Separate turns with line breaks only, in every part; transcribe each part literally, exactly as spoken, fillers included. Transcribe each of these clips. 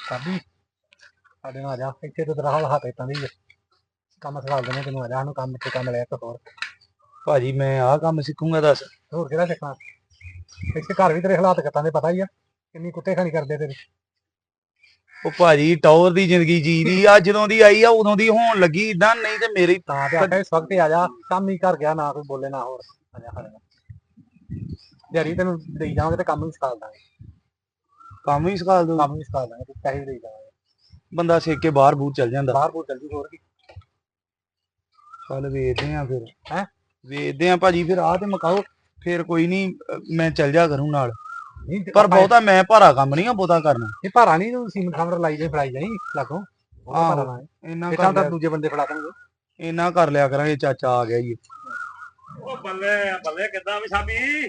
ਸਾਬੀ ਸਾਡੇ ਨਾਲ ਆ ਜਾ ਇੱਥੇ ਤੇ ਤੇਰਾ ਹਾਲ ਹੱਥ ਇਤਾਂ ਦੀ ਕੰਮ ਸਿਖਾ ਦਿੰਦੇ ਤੈਨੂੰ। ਆ ਜਾ ਸਾਨੂੰ ਕੰਮ ਤੇ ਕੰਮ ਲੈ ਕੇ ਹੋਰ।
ਭਾਜੀ ਮੈਂ ਆਹ ਕੰਮ ਸਿੱਖੂੰਗਾ ਦੱਸ।
ਹੋਰ ਕਿਹੜਾ ਸਿੱਖਣਾ? ਇੱਥੇ ਘਰ ਵੀ ਤੇਰੇ ਹਾਲਾਤ ਕਿੱਦਾਂ ਦੇ ਪਤਾ ਹੀ ਆ, ਕਿੰਨੀ ਕੁੱਤੇ ਖਾਣੀ ਕਰਦੇ ਤੇਰੇ।
ਉਹ ਭਾਜੀ ਟੌਰ ਦੀ ਜ਼ਿੰਦਗੀ ਜੀ ਦੀ ਆ, ਜਦੋਂ ਦੀ ਆਈ ਆ ਉਦੋਂ ਦੀ ਹੋਣ ਲੱਗੀ ਇਦਾਂ, ਨਹੀਂ ਤੇ ਮੇਰੀ
ਤਾਂ ਤੇ ਆਖਿਆ ਇਸ ਵਕਤ ਹੀ ਆ ਜਾ। ਕੰਮ ਹੀ ਕਰ ਗਿਆ, ਨਾ ਕੋਈ ਬੋਲੇ ਨਾ ਹੋਰ। ਆ ਜਾ ਸਾਡੇ ਨਾਲ ਦਿਹਾੜੀ ਤੈਨੂੰ ਦੇਈ ਜਾਵਾਂਗੇ ਤੇ ਕੰਮ ਵੀ ਸਿਖਾ ਦਾਂਗੇ।
ਕੰਮ ਵੀ ਸਿਖਾ ਦੂੰ?
ਕੰਮ ਵੀ ਸਿਖਾ ਦਾਂਗੇ ਤੇ ਪੈਸੇ ਵੀ ਦੇਈ ਜਾਵਾਂਗੇ।
ਬੰਦਾ ਸਿੱਖ ਕੇ ਬਾਹਰ ਬੂਰ ਚੱਲ ਜਾਂਦਾ।
ਬਾਹਰ ਬੂਰ ਚੱਲ ਜੂ ਹੋਰ ਕੀ।
ਚੱਲ ਵੇਖਦੇ ਆ ਫਿਰ।
ਹੈਂ
ਵੇਖਦੇ ਆ ਭਾਜੀ ਫਿਰ। ਆਹ ਤੇ ਮੁਕਾਓ ਫਿਰ ਕੋਈ ਨਹੀਂ, ਮੈਂ ਚੱਲ ਜਾ ਕਰੂੰ ਨਾਲ।
ਨਹੀਂ
ਪਰ ਬਹੁਤਾ ਮੈਂ ਭਾਰਾ ਕੰਮ ਨਹੀਂ ਆ ਬਹੁਤਾ ਕਰਨਾ।
ਇਹ ਭਾਰਾ ਨਹੀਂ, ਤੂੰ ਸੀਮਨ ਖਾਮਰ ਲਾਈ ਜਾਈ ਫੜਾਈ ਜਾਈ ਲਾਗੋਂ।
ਆਹੋ ਇੰਨਾ
ਤਾਂ
ਕਰ
ਦੂਜੇ ਬੰਦੇ ਫੜਾ ਦਾਂਗੇ।
ਇੰਨਾ ਕਰ ਲਿਆ ਕਰਾਂਗੇ। ਚਾਚਾ ਆ ਗਿਆ ਜੀ।
ਉਹ ਬੱਲੇ ਬੱਲੇ ਕਿੱਦਾਂ ਵੀ ਸਾਬੀ?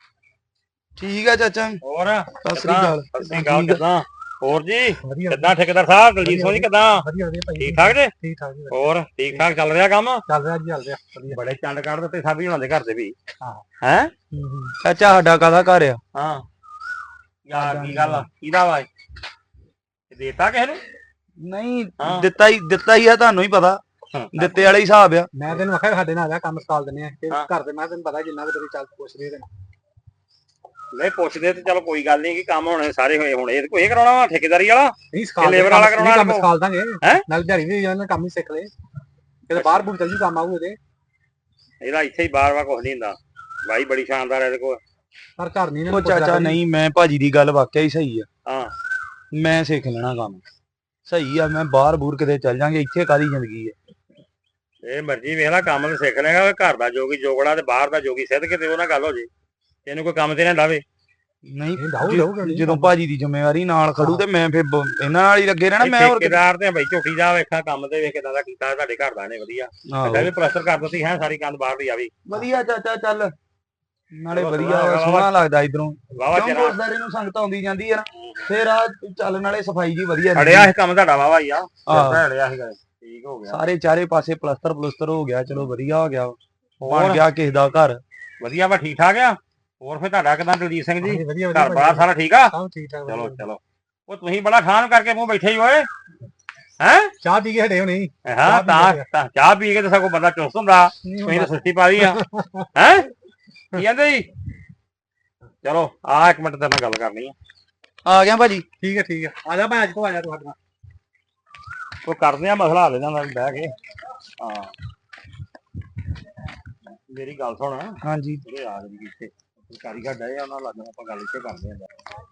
ਠੀਕ ਆ ਚਾਚਾ।
ਹੋਰ
ਸਤਿ ਸ੍ਰੀ ਅਕਾਲ।
ਸਤਿ ਸ੍ਰੀ ਅਕਾਲ। ਕਿੱਦਾਂ ਹੋਰ ਜੀ?
ਵਧੀਆ
ਕਿੱਦਾਂ ਠੇਕੇਦਾਰ ਸਾਹਿਬ ਦਲਜੀਤ ਸਿੰਘ ਜੀ ਕਿੱਦਾਂ?
ਵਧੀਆ ਵਧੀਆ ਭਾਈ।
ਠੀਕ ਠਾਕ ਜੀ?
ਠੀਕ ਠਾਕ ਜੀ।
ਹੋਰ ਠੀਕ ਠਾਕ ਚੱਲ ਰਿਹਾ ਕੰਮ?
ਚੱਲ ਰਿਹਾ ਜੀ, ਚੱਲ ਰਿਹਾ ਵਧੀਆ।
ਬੜੇ ਚੰਡ ਕੱਢ ਦਿੱਤੇ ਸਾਬੀ ਹੁਣਾਂ ਦੇ ਘਰ ਦੇ ਵੀ।
ਹਾਂ
ਹੈ
ਚਾਚਾ ਸਾਡਾ ਕਾਹਦਾ ਘਰ ਆ?
ਹਾਂ ਯਾਰ ਕੀ ਗੱਲ ਆ? ਕਿਹਦਾ ਵਾ ਇਹ? ਦੇਤਾ ਕਿਸੇ ਨੂੰ?
ਨਹੀਂ
ਹਾਂ।
ਦਿੱਤਾ ਹੀ ਦਿੱਤਾ ਹੀ ਆ, ਤੁਹਾਨੂੰ ਹੀ ਪਤਾ।
ਹਾਂ।
ਦਿੱਤੇ ਵਾਲਾ ਹੀ ਹਿਸਾਬ ਆ।
ਮੈਂ ਤੈਨੂੰ ਆਖਿਆ ਸਾਡੇ ਨਾਲ ਆ ਜਾ, ਕੰਮ ਸਿਖਾਲ ਦਿੰਦੇ ਆ ਤੇ
ਹਾਂ।
ਘਰ ਦੇ। ਮੈਂ ਤੈਨੂੰ ਪਤਾ ਜਿੰਨਾ ਕੁ ਤੇਰੀ ਚੱਲ ਪੁੱਛਦੇ ਤੈਨੂੰ।
ਨਹੀਂ ਪੁੱਛਦੇ ਤੇ ਚਲੋ ਕੋਈ ਗੱਲ ਨਹੀਂ ਕਿ ਕੰਮ ਹੋਣੇ ਸਾਰੇ ਹੋਏ। ਹੁਣ ਇਹ ਕੋਈ ਕਰਾਉਣਾ ਵਾ ਠੇਕੇਦਾਰੀ ਵਾਲਾ?
ਨਹੀਂ ਸਿਖਾਲ
labor ਵਾਲਾ ਕਰਾਉਣਾ
ਕੰਮ
ਇਹਨੂੰ?
ਸਿਖਾਲ ਦਾਂਗੇ।
ਹੈਂ?
ਨਾਲ ਦਿਹਾੜੀ ਵੀ ਜਾਣਾ, ਕੰਮ ਹੀ ਸਿੱਖ ਲੈ। ਕਿਤੇ ਬਾਹਰ ਬੂਰ ਚੱਲ ਜੂ, ਕੰਮ ਆਊ ਇਹਦੇ।
ਇਹਦਾ ਇੱਥੇ ਹੀ ਬਾਰ ਬਾਰ ਕੁਝ ਨਹੀਂ ਹੁੰਦਾ। ਬਾਈ ਬੜੀ ਸ਼ਾਨਦਾਰ ਹੈ ਇਹਦੇ ਕੋਲ।
ਪਰ ਘਰ ਨਹੀਂ
ਉਹ ਚਾਚਾ ਨਹੀਂ, ਮੈਂ ਭਾਜੀ ਦੀ ਗੱਲ ਵਾਕਿਆ ਹੀ ਸਹੀ ਆ।
ਹਾਂ
ਮੈਂ ਸਿੱਖ ਲੈਣਾ ਕੰਮ ਸਹੀ ਆ। ਮੈਂ ਬਾਹਰ ਬੂਰ ਕਿਤੇ ਚੱਲ ਜਾਂਗੇ, ਇੱਥੇ ਕਾਹਦੀ ਜ਼ਿੰਦਗੀ ਆ।
ਇਹ ਮਰਜ਼ੀ ਵੇਖ ਲੈ, ਕੰਮ ਤੇ ਸਿੱਖ ਲੇਗਾ। ਘਰ ਦਾ ਜੋਗੀ ਜੋਗੜਾ ਤੇ ਬਾਹਰ ਦਾ ਜੋਗੀ ਸਿੱਧ ਕਿਤੇ ਉਹ ਨਾਲ ਗੱਲ ਹੋ ਜੇ। ਤੈਨੂੰ ਕੋਈ ਕੰਮ ਤੇ ਨਾ ਡਾਵੇ।
ਨਹੀਂ
ਡਾਊ ਲਊਗਾ ਨਹੀਂ
ਜਦੋਂ ਭਾਜੀ ਦੀ ਜ਼ਿੰਮੇਵਾਰੀ ਨਾਲ ਖੜੂ ਤੇ ਮੈਂ ਫਿਰ ਬ- ਇਹਨਾਂ ਨਾਲ ਹੀ ਲੱਗੇ ਰਹਿਣਾ। ਮੈਂ ਹੋਰ ਕਿਤੇ-
ਠੇਕੇਦਾਰ ਤੇ ਬਈ ਝੋਟੀ ਦਾ ਵੇਖਾ ਕੰਮ ਤੇ ਵੇਖ ਕਿਦਾਂ ਦਾ ਕੀਤਾ ਤੁਹਾਡੇ ਘਰ ਦਾ ਨੇ। ਵਧੀਆ
ਆਹੋ।
ਇਹ ਵੀ ਪਲਸਟਰ ਕਰ ਦਿੱਤੀ ਹੈ ਸਾਰੀ ਕੰਧ ਬਾਹਰ ਦੀ ਆ ਵੀ।
ਵਧੀਆ ਚਾਚਾ ਚੱਲ ਨਾਲੇ
ਚਲੋ
ਵਧੀਆ
ਸੋਹਣਾ
ਵਾ, ਸੋਹਣਾ ਲੱਗਦਾ ਇਧਰੋਂ।
ਵਾਵਾ
ਕਿਉਂ
ਚਿਰ
ਗੁਰਦਾਰੇ ਨੂੰ ਸੰਗਤ ਆਉਂਦੀ ਜਾਂਦੀ ਆ ਨਾ, ਫਿਰ ਆ ਚੱਲ ਨਾਲੇ ਸਫਾਈ ਜੀ ਵਧੀਆ
ਅੜਿਆ ਇਹ ਕੰਮ ਤੁਹਾਡਾ ਵਾਵਾ ਹੀ ਆ।
ਆਹ।
ਅੜਿਆ ਸੀਗਾ ਠੀਕ ਹੋ ਗਿਆ।
ਸਾਰੇ ਚਾਰੇ ਪਾਸੇ ਪਲਸਤਰ ਪਲਸਤਰ ਹੋ ਗਿਆ। ਚਲੋ ਵਧੀਆ ਹੋ ਗਿਆ, ਬਣ
ਹੋਰ
ਗਿਆ ਕਿਸੇ ਦਾ ਘਰ।
ਵਧੀਆ ਵਾ, ਠੀਕ ਠਾਕ ਆ। ਹੋਰ ਫਿਰ ਤੁਹਾਡਾ ਕਿਦਾਂ ਦਲਜੀਤ ਸਿੰਘ ਜੀ?
ਵਧੀਆ
ਘਰ
ਵਧੀਆ
ਬਾਹਰ ਸਾਰਾ ਠੀਕ ਆ?
ਸਭ ਠੀਕ ਠਾਕ।
ਚਲੋ ਚਲੋ। ਉਹ ਤੁਸੀਂ ਬੜਾ ਖਾਨ ਕਰਕੇ ਮੂੰਹ ਬੈਠੇ ਹੀ ਓਏ। ਹੈ
ਚਾਹ ਪੀ ਕੇ ਹਟੇ ਹੋ ਨਹੀਂ?
ਹਾਂ ਤਾਂ ਤਾਂ ਚਾਹ ਪੀ ਕੇ ਤਾਂ ਸਗੋਂ ਬੰਦਾ ਚੁਸਤ ਹੁੰਦਾ। ਤੁਸੀਂ ਤਾਂ ਸੁਸਤੀ ਪਾ ਲਈ ਆ। ਹੈ ਕੀ ਕਹਿੰਦੇ ਜੀ? ਚਲੋ ਆ ਇੱਕ ਮਿੰਟ ਤੇਰੇ ਨਾਲ ਗੱਲ ਕਰਨੀ ਆ।
ਆ ਗਿਆ ਭਾਜੀ।
ਠੀਕ ਹੈ ਠੀਕ ਹੈ, ਆ ਜਾ ਭਾਈ ਅੱਜ ਤੋਂ ਆ ਜਾ ਤੂੰ ਸਾਡੇ ਨਾਲ।
ਉਹ ਕਰਦੇ ਆ ਮਸਲਾ ਹੱਲ ਇਹਨਾਂ ਨਾਲ ਬਹਿ ਕੇ। ਹਾਂ ਮੇਰੀ ਗੱਲ ਸੁਣ।
ਹਾਂਜੀ
ਜਿਹੜੇ ਆ ਗਏ ਇੱਥੇ ਕਾਰੀਗਰ ਡਏ ਆ ਉਹਨਾਂ ਨਾਲ ਲੱਗਣਾ ਆਪਾਂ ਗੱਲ ਇੱਥੇ ਕਰਦੇ ਆਂ।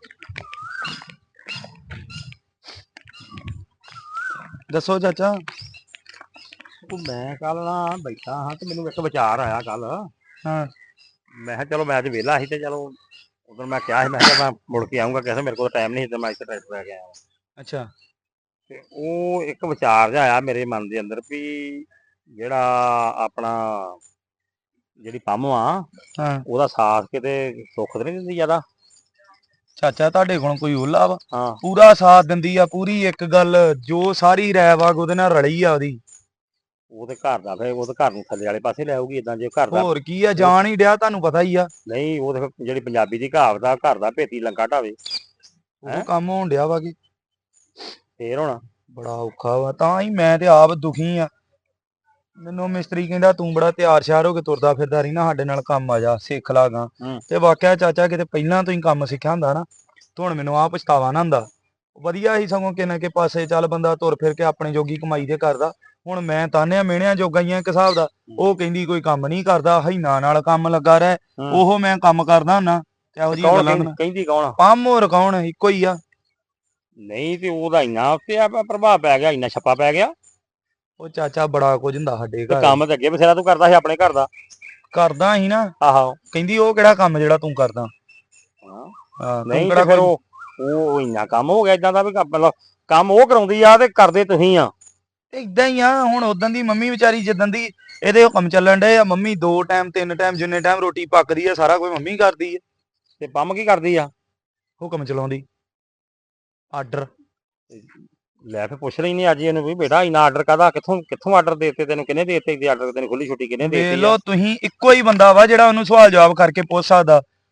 ਦੱਸੋ ਚਾਚਾ।
ਉਹ ਮੈਂ ਕੱਲ ਨਾ ਬੈਠਾ ਹਾਂ ਤੇ ਮੈਨੂੰ ਇੱਕ ਵਿਚਾਰ ਆਇਆ ਕੱਲ।
ਹਾਂ
ਮੈਂ ਕਿਹਾ ਚਲੋ ਮੈਂ ਅੱਜ ਵਿਹਲਾ ਸੀ ਤੇ ਚਲੋ ਉਦੋਂ ਮੈਂ ਕਿਹਾ ਸੀ ਮੈਂ ਕਿਹਾ ਮੈਂ ਮੁੜ ਕੇ ਆਊਂਗਾ। ਕਿਸੇ ਮੇਰੇ ਕੋਲ ਟਾਈਮ ਨਹੀਂ ਸੀ ਤੇ ਮੈਂ ਇੱਥੇ ਟਰੈਕਟਰ ਲੈ ਕੇ ਆਇਆ।
ਅੱਛਾ।
ਤੇ ਉਹ ਇੱਕ ਵਿਚਾਰ ਜਿਹਾ ਆਇਆ ਮੇਰੇ ਮਨ ਦੇ ਅੰਦਰ ਵੀ ਜਿਹੜਾ ਆਪਣਾ ਜਿਹੜੀ ਪੰਮ ਆ
ਹਾਂ
ਉਹਦਾ ਸਾਥ ਕਿਤੇ ਸੁੱਖ ਤੇ ਨਹੀਂ ਦਿੰਦੀ ਜ਼ਿਆਦਾ?
ਚਾਚਾ ਤੁਹਾਡੇ ਕੋਲ ਕੋਈ ਓਲਾ ਵਾ?
ਹਾਂ
ਪੂਰਾ ਸਾਥ ਦਿੰਦੀ ਆ। ਪੂਰੀ ਇੱਕ ਗੱਲ ਜੋ ਸਾਰੀ ਰਾਇ ਵਾ ਉਹਦੇ ਨਾਲ ਰਲੀ ਆ ਉਹਦੀ।
ਉਹ ਤੇ ਘਰ ਦਾ ਫਿਰ ਉਹ ਤੇ ਘਰ ਨੂੰ ਥੱਲੇ ਵਾਲੇ ਪਾਸੇ ਲੈ ਆਊਗੀ। ਇਦਾਂ ਜੇ ਘਰ ਦਾ
ਹੋਰ ਕੀ ਆ, ਜਾਣ ਹੀ ਡਿਆ, ਤੁਹਾਨੂੰ ਪਤਾ ਹੀ ਆ।
ਨਹੀਂ ਉਹ ਤੇ ਫਿਰ ਜਿਹੜੀ ਪੰਜਾਬੀ ਦੀ ਕਹਾਵਤ ਆ ਘਰ ਦਾ ਭੇਤੀ ਲੰਕਾ ਢਾਵੇ।
ਉਹ ਕੰਮ ਹੋਣ ਡਿਆ ਵਾ ਕਿ
ਫੇਰ ਹੁਣ
ਬੜਾ ਔਖਾ ਵਾ। ਤਾਂ ਹੀ ਮੈਂ ਤੇ ਆਪ ਦੁਖੀ ਆ। ਮੈਨੂੰ ਮਿਸਤਰੀ ਕਹਿੰਦਾ ਤੂੰ ਬੜਾ ਤਿਆਰ ਸ਼ਿਆਰ ਹੋ ਕੇ ਤੁਰਦਾ ਫਿਰਦਾ ਰਹੀ ਨਾ, ਸਾਡੇ ਨਾਲ ਕੰਮ ਆ ਜਾ, ਸਿੱਖ ਲਾਗਾ।
ਹੂੰ।
ਤੇ ਵਾਕਿਆ ਚਾਚਾ ਕਿਤੇ ਪਹਿਲਾਂ ਤੋਂ ਹੀ ਕੰਮ ਸਿੱਖਿਆ ਹੁੰਦਾ ਨਾ ਤੇ ਹੁਣ ਮੈਨੂੰ ਆ ਪਛਤਾਵਾ ਨਾ ਹੁੰਦਾ। ਵਧੀਆ ਹੀ ਸਗੋਂ ਕਿਨੇ ਕੇ ਪਾਸੇ ਚੱਲ ਬੰਦਾ ਤੁਰ ਫਿਰ ਕੇ ਆਪਣੇ ਜੋਗੀ ਕਮਾਈ ਤੇ ਕਰਦਾ। ਹੁਣ ਮੈਂ ਤਾਨਿਆਂ ਮਿਹਣਿਆਂ ਜੋਗਾ ਹੀ ਆ ਇੱਕ ਹਿਸਾਬ ਦਾ। ਉਹ ਕਹਿੰਦੀ ਕੋਈ ਕੰਮ ਨਹੀਂ ਕਰਦਾ, ਹੀਨਾ ਨਾਲ ਕੰਮ ਲੱਗਾ ਰਹਿ।
ਹੂੰ।
ਉਹ ਮੈਂ ਕੰਮ ਕਰਦਾ ਹੁੰਨਾ ਤੇ ਇਹੋ ਜਿਹੀਆਂ
ਕੌਣ
ਗੱਲਾਂ
ਕਹਿੰਦੀ ਕਹਿੰਦੀ ਕੌਣ ਆ?
ਪੰਮ ਹੋਰ ਕੌਣ, ਇੱਕੋ ਹੀ ਆ।
ਨਹੀਂ ਤੇ ਉਹਦਾ ਇੰਨਾ ਉੱਤੇ ਆ ਪ੍ਰਭਾਵ ਪੈ ਗਿਆ, ਇੰਨਾ ਛੱਪਾ ਪੈ ਗਿਆ।
ਉਹ ਚਾਚਾ ਬੜਾ ਕੁਝ ਹੁੰਦਾ ਸਾਡੇ
ਤੇ
ਘਰ।
ਕੰਮ ਤੇ ਅੱਗੇ ਬਥੇਰਾ ਤੂੰ ਕਰਦਾ ਸੀ ਆਪਣੇ ਘਰ ਦਾ।
ਕਰਦਾ ਹੀ ਨਾ।
ਆਹੋ
ਕਹਿੰਦੀ ਉਹ ਕਿਹੜਾ ਕੰਮ ਜਿਹੜਾ ਤੂੰ ਕਰਦਾ।
ਹਾਂ।
ਹਾਂ, ਤੂੰ
ਨਹੀਂ
ਕਿਹੜਾ
ਤੇ ਫਿਰ
ਕੋਈ-
ਉਹ ਉਹ ਇੰਨਾ ਕੰਮ ਹੋ ਗਿਆ ਇਦਾਂ ਦਾ ਵੀ ਕੰਮ- ਮਤਲਬ ਕੰਮ ਉਹ ਕਰਾਉਂਦੀ ਆ ਤੇ ਕਰਦੇ ਤੁਸੀਂ ਆ।
ਏਦਾਂ ਹੀ ਆ। ਹੁਣ ਉਦੋਂ ਦੀ ਮੰਮੀ ਵਿਚਾਰੀ ਜਿੱਦਣ ਦੀ ਇਹਦੇ ਹੁਕਮ ਚੱਲਣ ਡਏ ਆ, ਮੰਮੀ ਦੋ ਟਾਈਮ ਤਿੰਨ ਟਾਈਮ ਜਿੰਨੇ ਟਾਈਮ ਰੋਟੀ ਪੱਕਦੀ ਆ ਸਾਰਾ ਕੁਝ ਮੰਮੀ ਕਰਦੀ ਆ।
ਤੇ ਪੰਮ ਕੀ ਕਰਦੀ ਆ?
ਹੁਕਮ ਚਲਾਉਂਦੀ। ਆਰਡਰ
ਲੈ ਫਿਰ ਪੁੱਛ ਰਹੀ ਨਹੀਂ ਅੱਜ ਇਹਨੂੰ ਵੀ ਬੇਟਾ ਇੰਨਾ ਆਰਡਰ ਕਾਹਦਾ, ਕਿੱਥੋਂ ਕਿੱਥੋਂ ਆਰਡਰ ਦੇਤੇ ਤੈਨੂੰ, ਕਿਹਨੇ ਦੇਤੇ ਆਰਡਰ ਤੈਨੂੰ, ਖੁੱਲੀ ਛੁੱਟੀ ਕਿਹਨੇ
ਵੇਖ
ਦੇਤੀ ਆ?
ਲਓ ਤੁਸੀਂ, ਇੱਕੋ ਹੀ ਬੰਦਾ ਵਾ ਜਿਹੜਾ ਉਹਨੂੰ ਸਵਾਲ ਜਵਾਬ ਕਰਕੇ ਪੁੱਛ ਸਕਦਾ।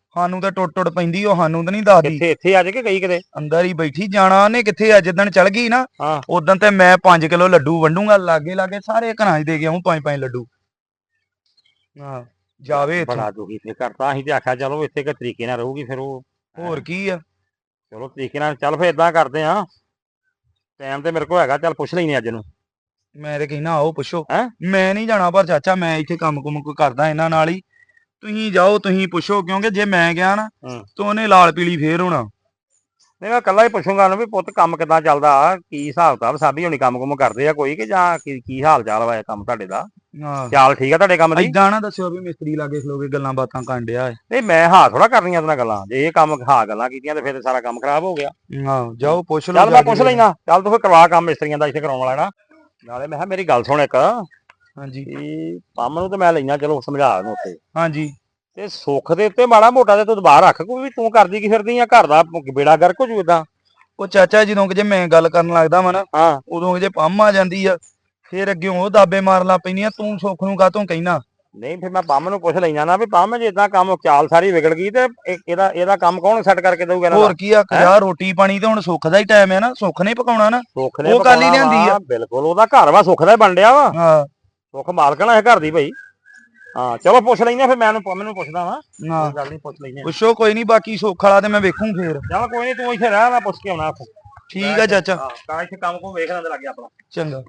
ਸਾਨੂੰ ਤਾਂ ਟੁੱਟ ਟੁੱਟ ਪੈਂਦੀ ਉਹ ਸਾਨੂੰ ਤਾਂ ਨਹੀਂ ਦੱਸਦੀ।
ਕਿੱਥੇ ਇੱਥੇ ਅੱਜ ਕੇ ਗਈ ਕਿਤੇ?
ਅੰਦਰ ਹੀ ਬੈਠੀ, ਜਾਣਾ ਉਹਨੇ ਕਿੱਥੇ ਆ, ਜਿੱਦਣ ਚਲ ਗਈ ਨਾ
ਹਾਂ
ਉਦੋਂ ਤੇ ਮੈਂ ਪੰਜ ਕਿਲੋ ਲੱਡੂ ਵੰਡੂਗਾ, ਲਾਗੇ ਲਾਗੇ ਸਾਰੇ ਘਰਾਂ 'ਚ ਦੇ ਕੇ ਆਊਂ ਪੰਜ ਪੰਜ ਲੱਡੂ। ਹਾਂ ਜਾਵੇ ਇੱਥੋਂ।
ਬੜਾ ਦੁਖੀ ਫੇਰ ਕਰਤਾ, ਅਸੀਂ ਤੇ ਆਖਿਆ ਚਲੋ ਇੱਥੇ ਕਿ ਤਰੀਕੇ ਨਾਲ ਰਹੂਗੀ, ਫਿਰ ਉਹ
ਹੋਰ ਕੀ ਆ।
ਚਲੋ ਤਰੀਕੇ ਨਾਲ ਚੱਲ, ਫੇਰ ਏਦਾਂ ਕਰਦੇ ਆ, ਟਾਈਮ ਤੇ ਮੇਰੇ ਕੋਲ ਹੈਗਾ, ਚੱਲ ਪੁੱਛ ਲੈਨੇ ਅੱਜ ਨੂੰ।
ਮੈਂ ਤੇ ਕਹਿਣਾ ਆਓ ਪੁੱਛੋ।
ਹੈਂ?
ਮੈਂ ਨਹੀਂ ਜਾਣਾ ਪਰ ਚਾਚਾ, ਮੈਂ ਇੱਥੇ ਕੰਮ ਕੁਮ ਕੋਈ ਕਰਦਾ ਇਹਨਾਂ ਨਾਲ ਹੀ, ਤੁਸੀਂ ਜਾਓ ਤੁਸੀਂ ਪੁੱਛੋ, ਕਿਉਂਕਿ ਜੇ ਮੈਂ ਗਿਆ ਨਾ
ਹੂੰ।
ਤਾਂ ਉਹਨੇ ਲਾਲ ਪੀਲੀ ਫੇਰ ਹੋਣਾ।
ਨਹੀਂ ਮੈਂ ਕੱਲਾ ਹੀ ਪੁੱਛੂੰਗਾ ਉਹਨੂੰ ਵੀ ਪੁੱਤ ਕੰਮ ਕਿੱਦਾਂ ਚੱਲਦਾ, ਕੀ ਹਿਸਾਬ ਕਿਤਾਬ, ਸਾਬੀ ਹੋਣੀ ਕੰਮ ਕੁਮ ਕਰਦੇ ਆ ਕੋਈ, ਕਿ ਜਾਂ ਕੀ ਕੀ ਹਾਲ ਚਾਲ ਵਾ ਇਹ ਕੰਮ ਤੁਹਾਡੇ ਦਾ?
ਹਾਂ
ਚਾਲ ਠੀਕ ਆ ਤੁਹਾਡੇ ਕੰਮ ਦੀ?
ਏਦਾਂ ਨਾ ਦੱਸਿਓ ਵੀ ਮਿਸਤਰੀ ਲਾਗੇ ਖਲੋ ਕੇ ਗੱਲਾਂ ਬਾਤਾਂ ਕਰਨ ਡਿਆ ਏ।
ਨਹੀਂ ਮੈਂ ਹਾਂ ਥੋੜਾ ਕਰਨੀਆਂ ਉਹਦੇ ਨਾਲ ਗੱਲਾਂ, ਜੇ ਇਹ ਕੰਮ ਹਾਂ ਗੱਲਾਂ ਕੀਤੀਆਂ ਤੇ ਫਿਰ ਸਾਰਾ ਕੰਮ ਖਰਾਬ ਹੋ ਗਿਆ।
ਹਾਂ ਜਾਓ ਪੁੱਛ ਲਓ।
ਚੱਲ ਮੈਂ ਪੁੱਛ ਲੈਣਾ, ਚੱਲ ਤੂੰ ਫਿਰ ਕਰਵਾ ਕੰਮ ਮਿਸਤਰੀਆਂ ਦਾ ਇੱਥੇ ਕਰਾਉਣ ਵਾਲਾ ਨਾ। ਨਾਲੇ ਮੈਂ ਕਿਹਾ ਮੇਰੀ ਗੱਲ ਸੁਣ ਇੱਕ,
ਹਾਂਜੀ
ਵੀ ਪੰਮ ਨੂੰ ਤੇ ਮੈਂ ਲੈਣਾ, ਚਲੋ ਸਮਝਾ ਉਹਨੂੰ ਉੱਤੇ,
ਹਾਂਜੀ
ਤੇ ਸੁੱਖ ਦੇ ਉੱਤੇ ਮਾੜਾ ਮੋਟਾ ਤੇ ਤੂੰ ਬਾਹਰ ਰੱਖ, ਕੋਈ ਵੀ ਤੂੰ ਕਰਦੀ ਕੀ ਫਿਰਦੀ ਆ, ਘਰ ਦਾ ਬੇੜਾ ਗਰਕ ਹੋ ਜੂ ਏਦਾਂ।
ਉਹ ਚਾਚਾ ਜਦੋਂ ਕਿ ਜੇ ਮੈਂ ਗੱਲ ਕਰਨ ਲੱਗਦਾ ਵਾ ਨਾ,
ਹਾਂ
ਉਦੋਂ ਕਿ ਜੇ ਪੰਮ ਆ ਜਾਂਦੀ ਆ, ਫੇਰ ਅੱਗੇ ਉਹ ਦਾਬੇ ਮਾਰਨ ਲੱਗ ਪੈਂਦੀਆਂ, ਤੂੰ ਸੁੱਖ ਨੂੰ ਕਾਹਤੋਂ ਕਹਿਣਾ।
ਨਹੀਂ ਫਿਰ ਮੈਂ ਪੰਮ ਨੂੰ ਪੁੱਛ ਲੈਣਾ ਨਾ, ਵੀ ਪੰਮ ਜੇ ਏਦਾਂ ਕੰਮ ਚਾਲ ਸਾਰੀ ਵਿਗੜ ਗਈ ਤੇ ਇਹ- ਇਹਦਾ ਇਹਦਾ ਕੰਮ ਕੌਣ ਸੈੱਟ ਕਰਕੇ ਦਊਗਾ ਇਹਨਾਂ ਦਾ?
ਹੋਰ ਕੀ ਆ, ਯਾ ਰੋਟੀ ਪਾਣੀ ਤੇ ਹੁਣ ਸੁੱਖ ਦਾ ਹੀ ਟਾਈਮ ਹੈ ਨਾ, ਸੁੱਖ ਨੇ ਪਕਾਉਣਾ ਨਾ।
ਸੁੱਖ ਨੇ
ਉਹ ਗੱਲ ਹੀ
ਪਕਾਉਣਾ
ਲਿਆਂਦੀ ਆ।
ਵਾ, ਬਿਲਕੁਲ ਉਹਦਾ ਘਰ ਵਾ, ਸੁੱਖ ਦਾ ਹੀ ਬਣ ਡਿਆ ਵਾ,
ਹਾਂ
ਸੁੱਖ ਮਾਲਕਣਾ ਇਹ ਘਰ ਦੀ ਭਾਈ। ਹਾਂ ਚਲੋ ਪੁੱਛ ਲੈਨੇ ਫਿਰ, ਮੈਂ ਪੰਮ ਨੂੰ ਪੁੱਛਦਾ ਵਾ,
ਹਾਂ
ਕੋਈ ਗੱਲ ਨਹੀਂ ਪੁੱਛ ਲੈਨੇ।
ਪੁੱਛੋ ਕੋਈ ਨਹੀਂ, ਬਾਕੀ ਸੁੱਖ ਵਾਲਾ ਤੇ ਮੈਂ ਵੇਖੂੰ ਫੇਰ।
ਚੱਲ ਕੋਈ ਨਹੀਂ ਤੂੰ ਇੱਥੇ ਰਹਿ, ਮੈਂ ਪੁੱਛ ਕੇ ਆਉਣਾ ਉੱਥੇ।
ਠੀਕ ਆ ਚਾਚਾ।
ਹਾਂ ਤਾਂ ਇੱਥੇ ਕੰਮ ਕੋ ਵੇਖ ਲੈਂਦੇ ਲੱਗੇ ਆਪਣਾ।
ਚੰਗਾ।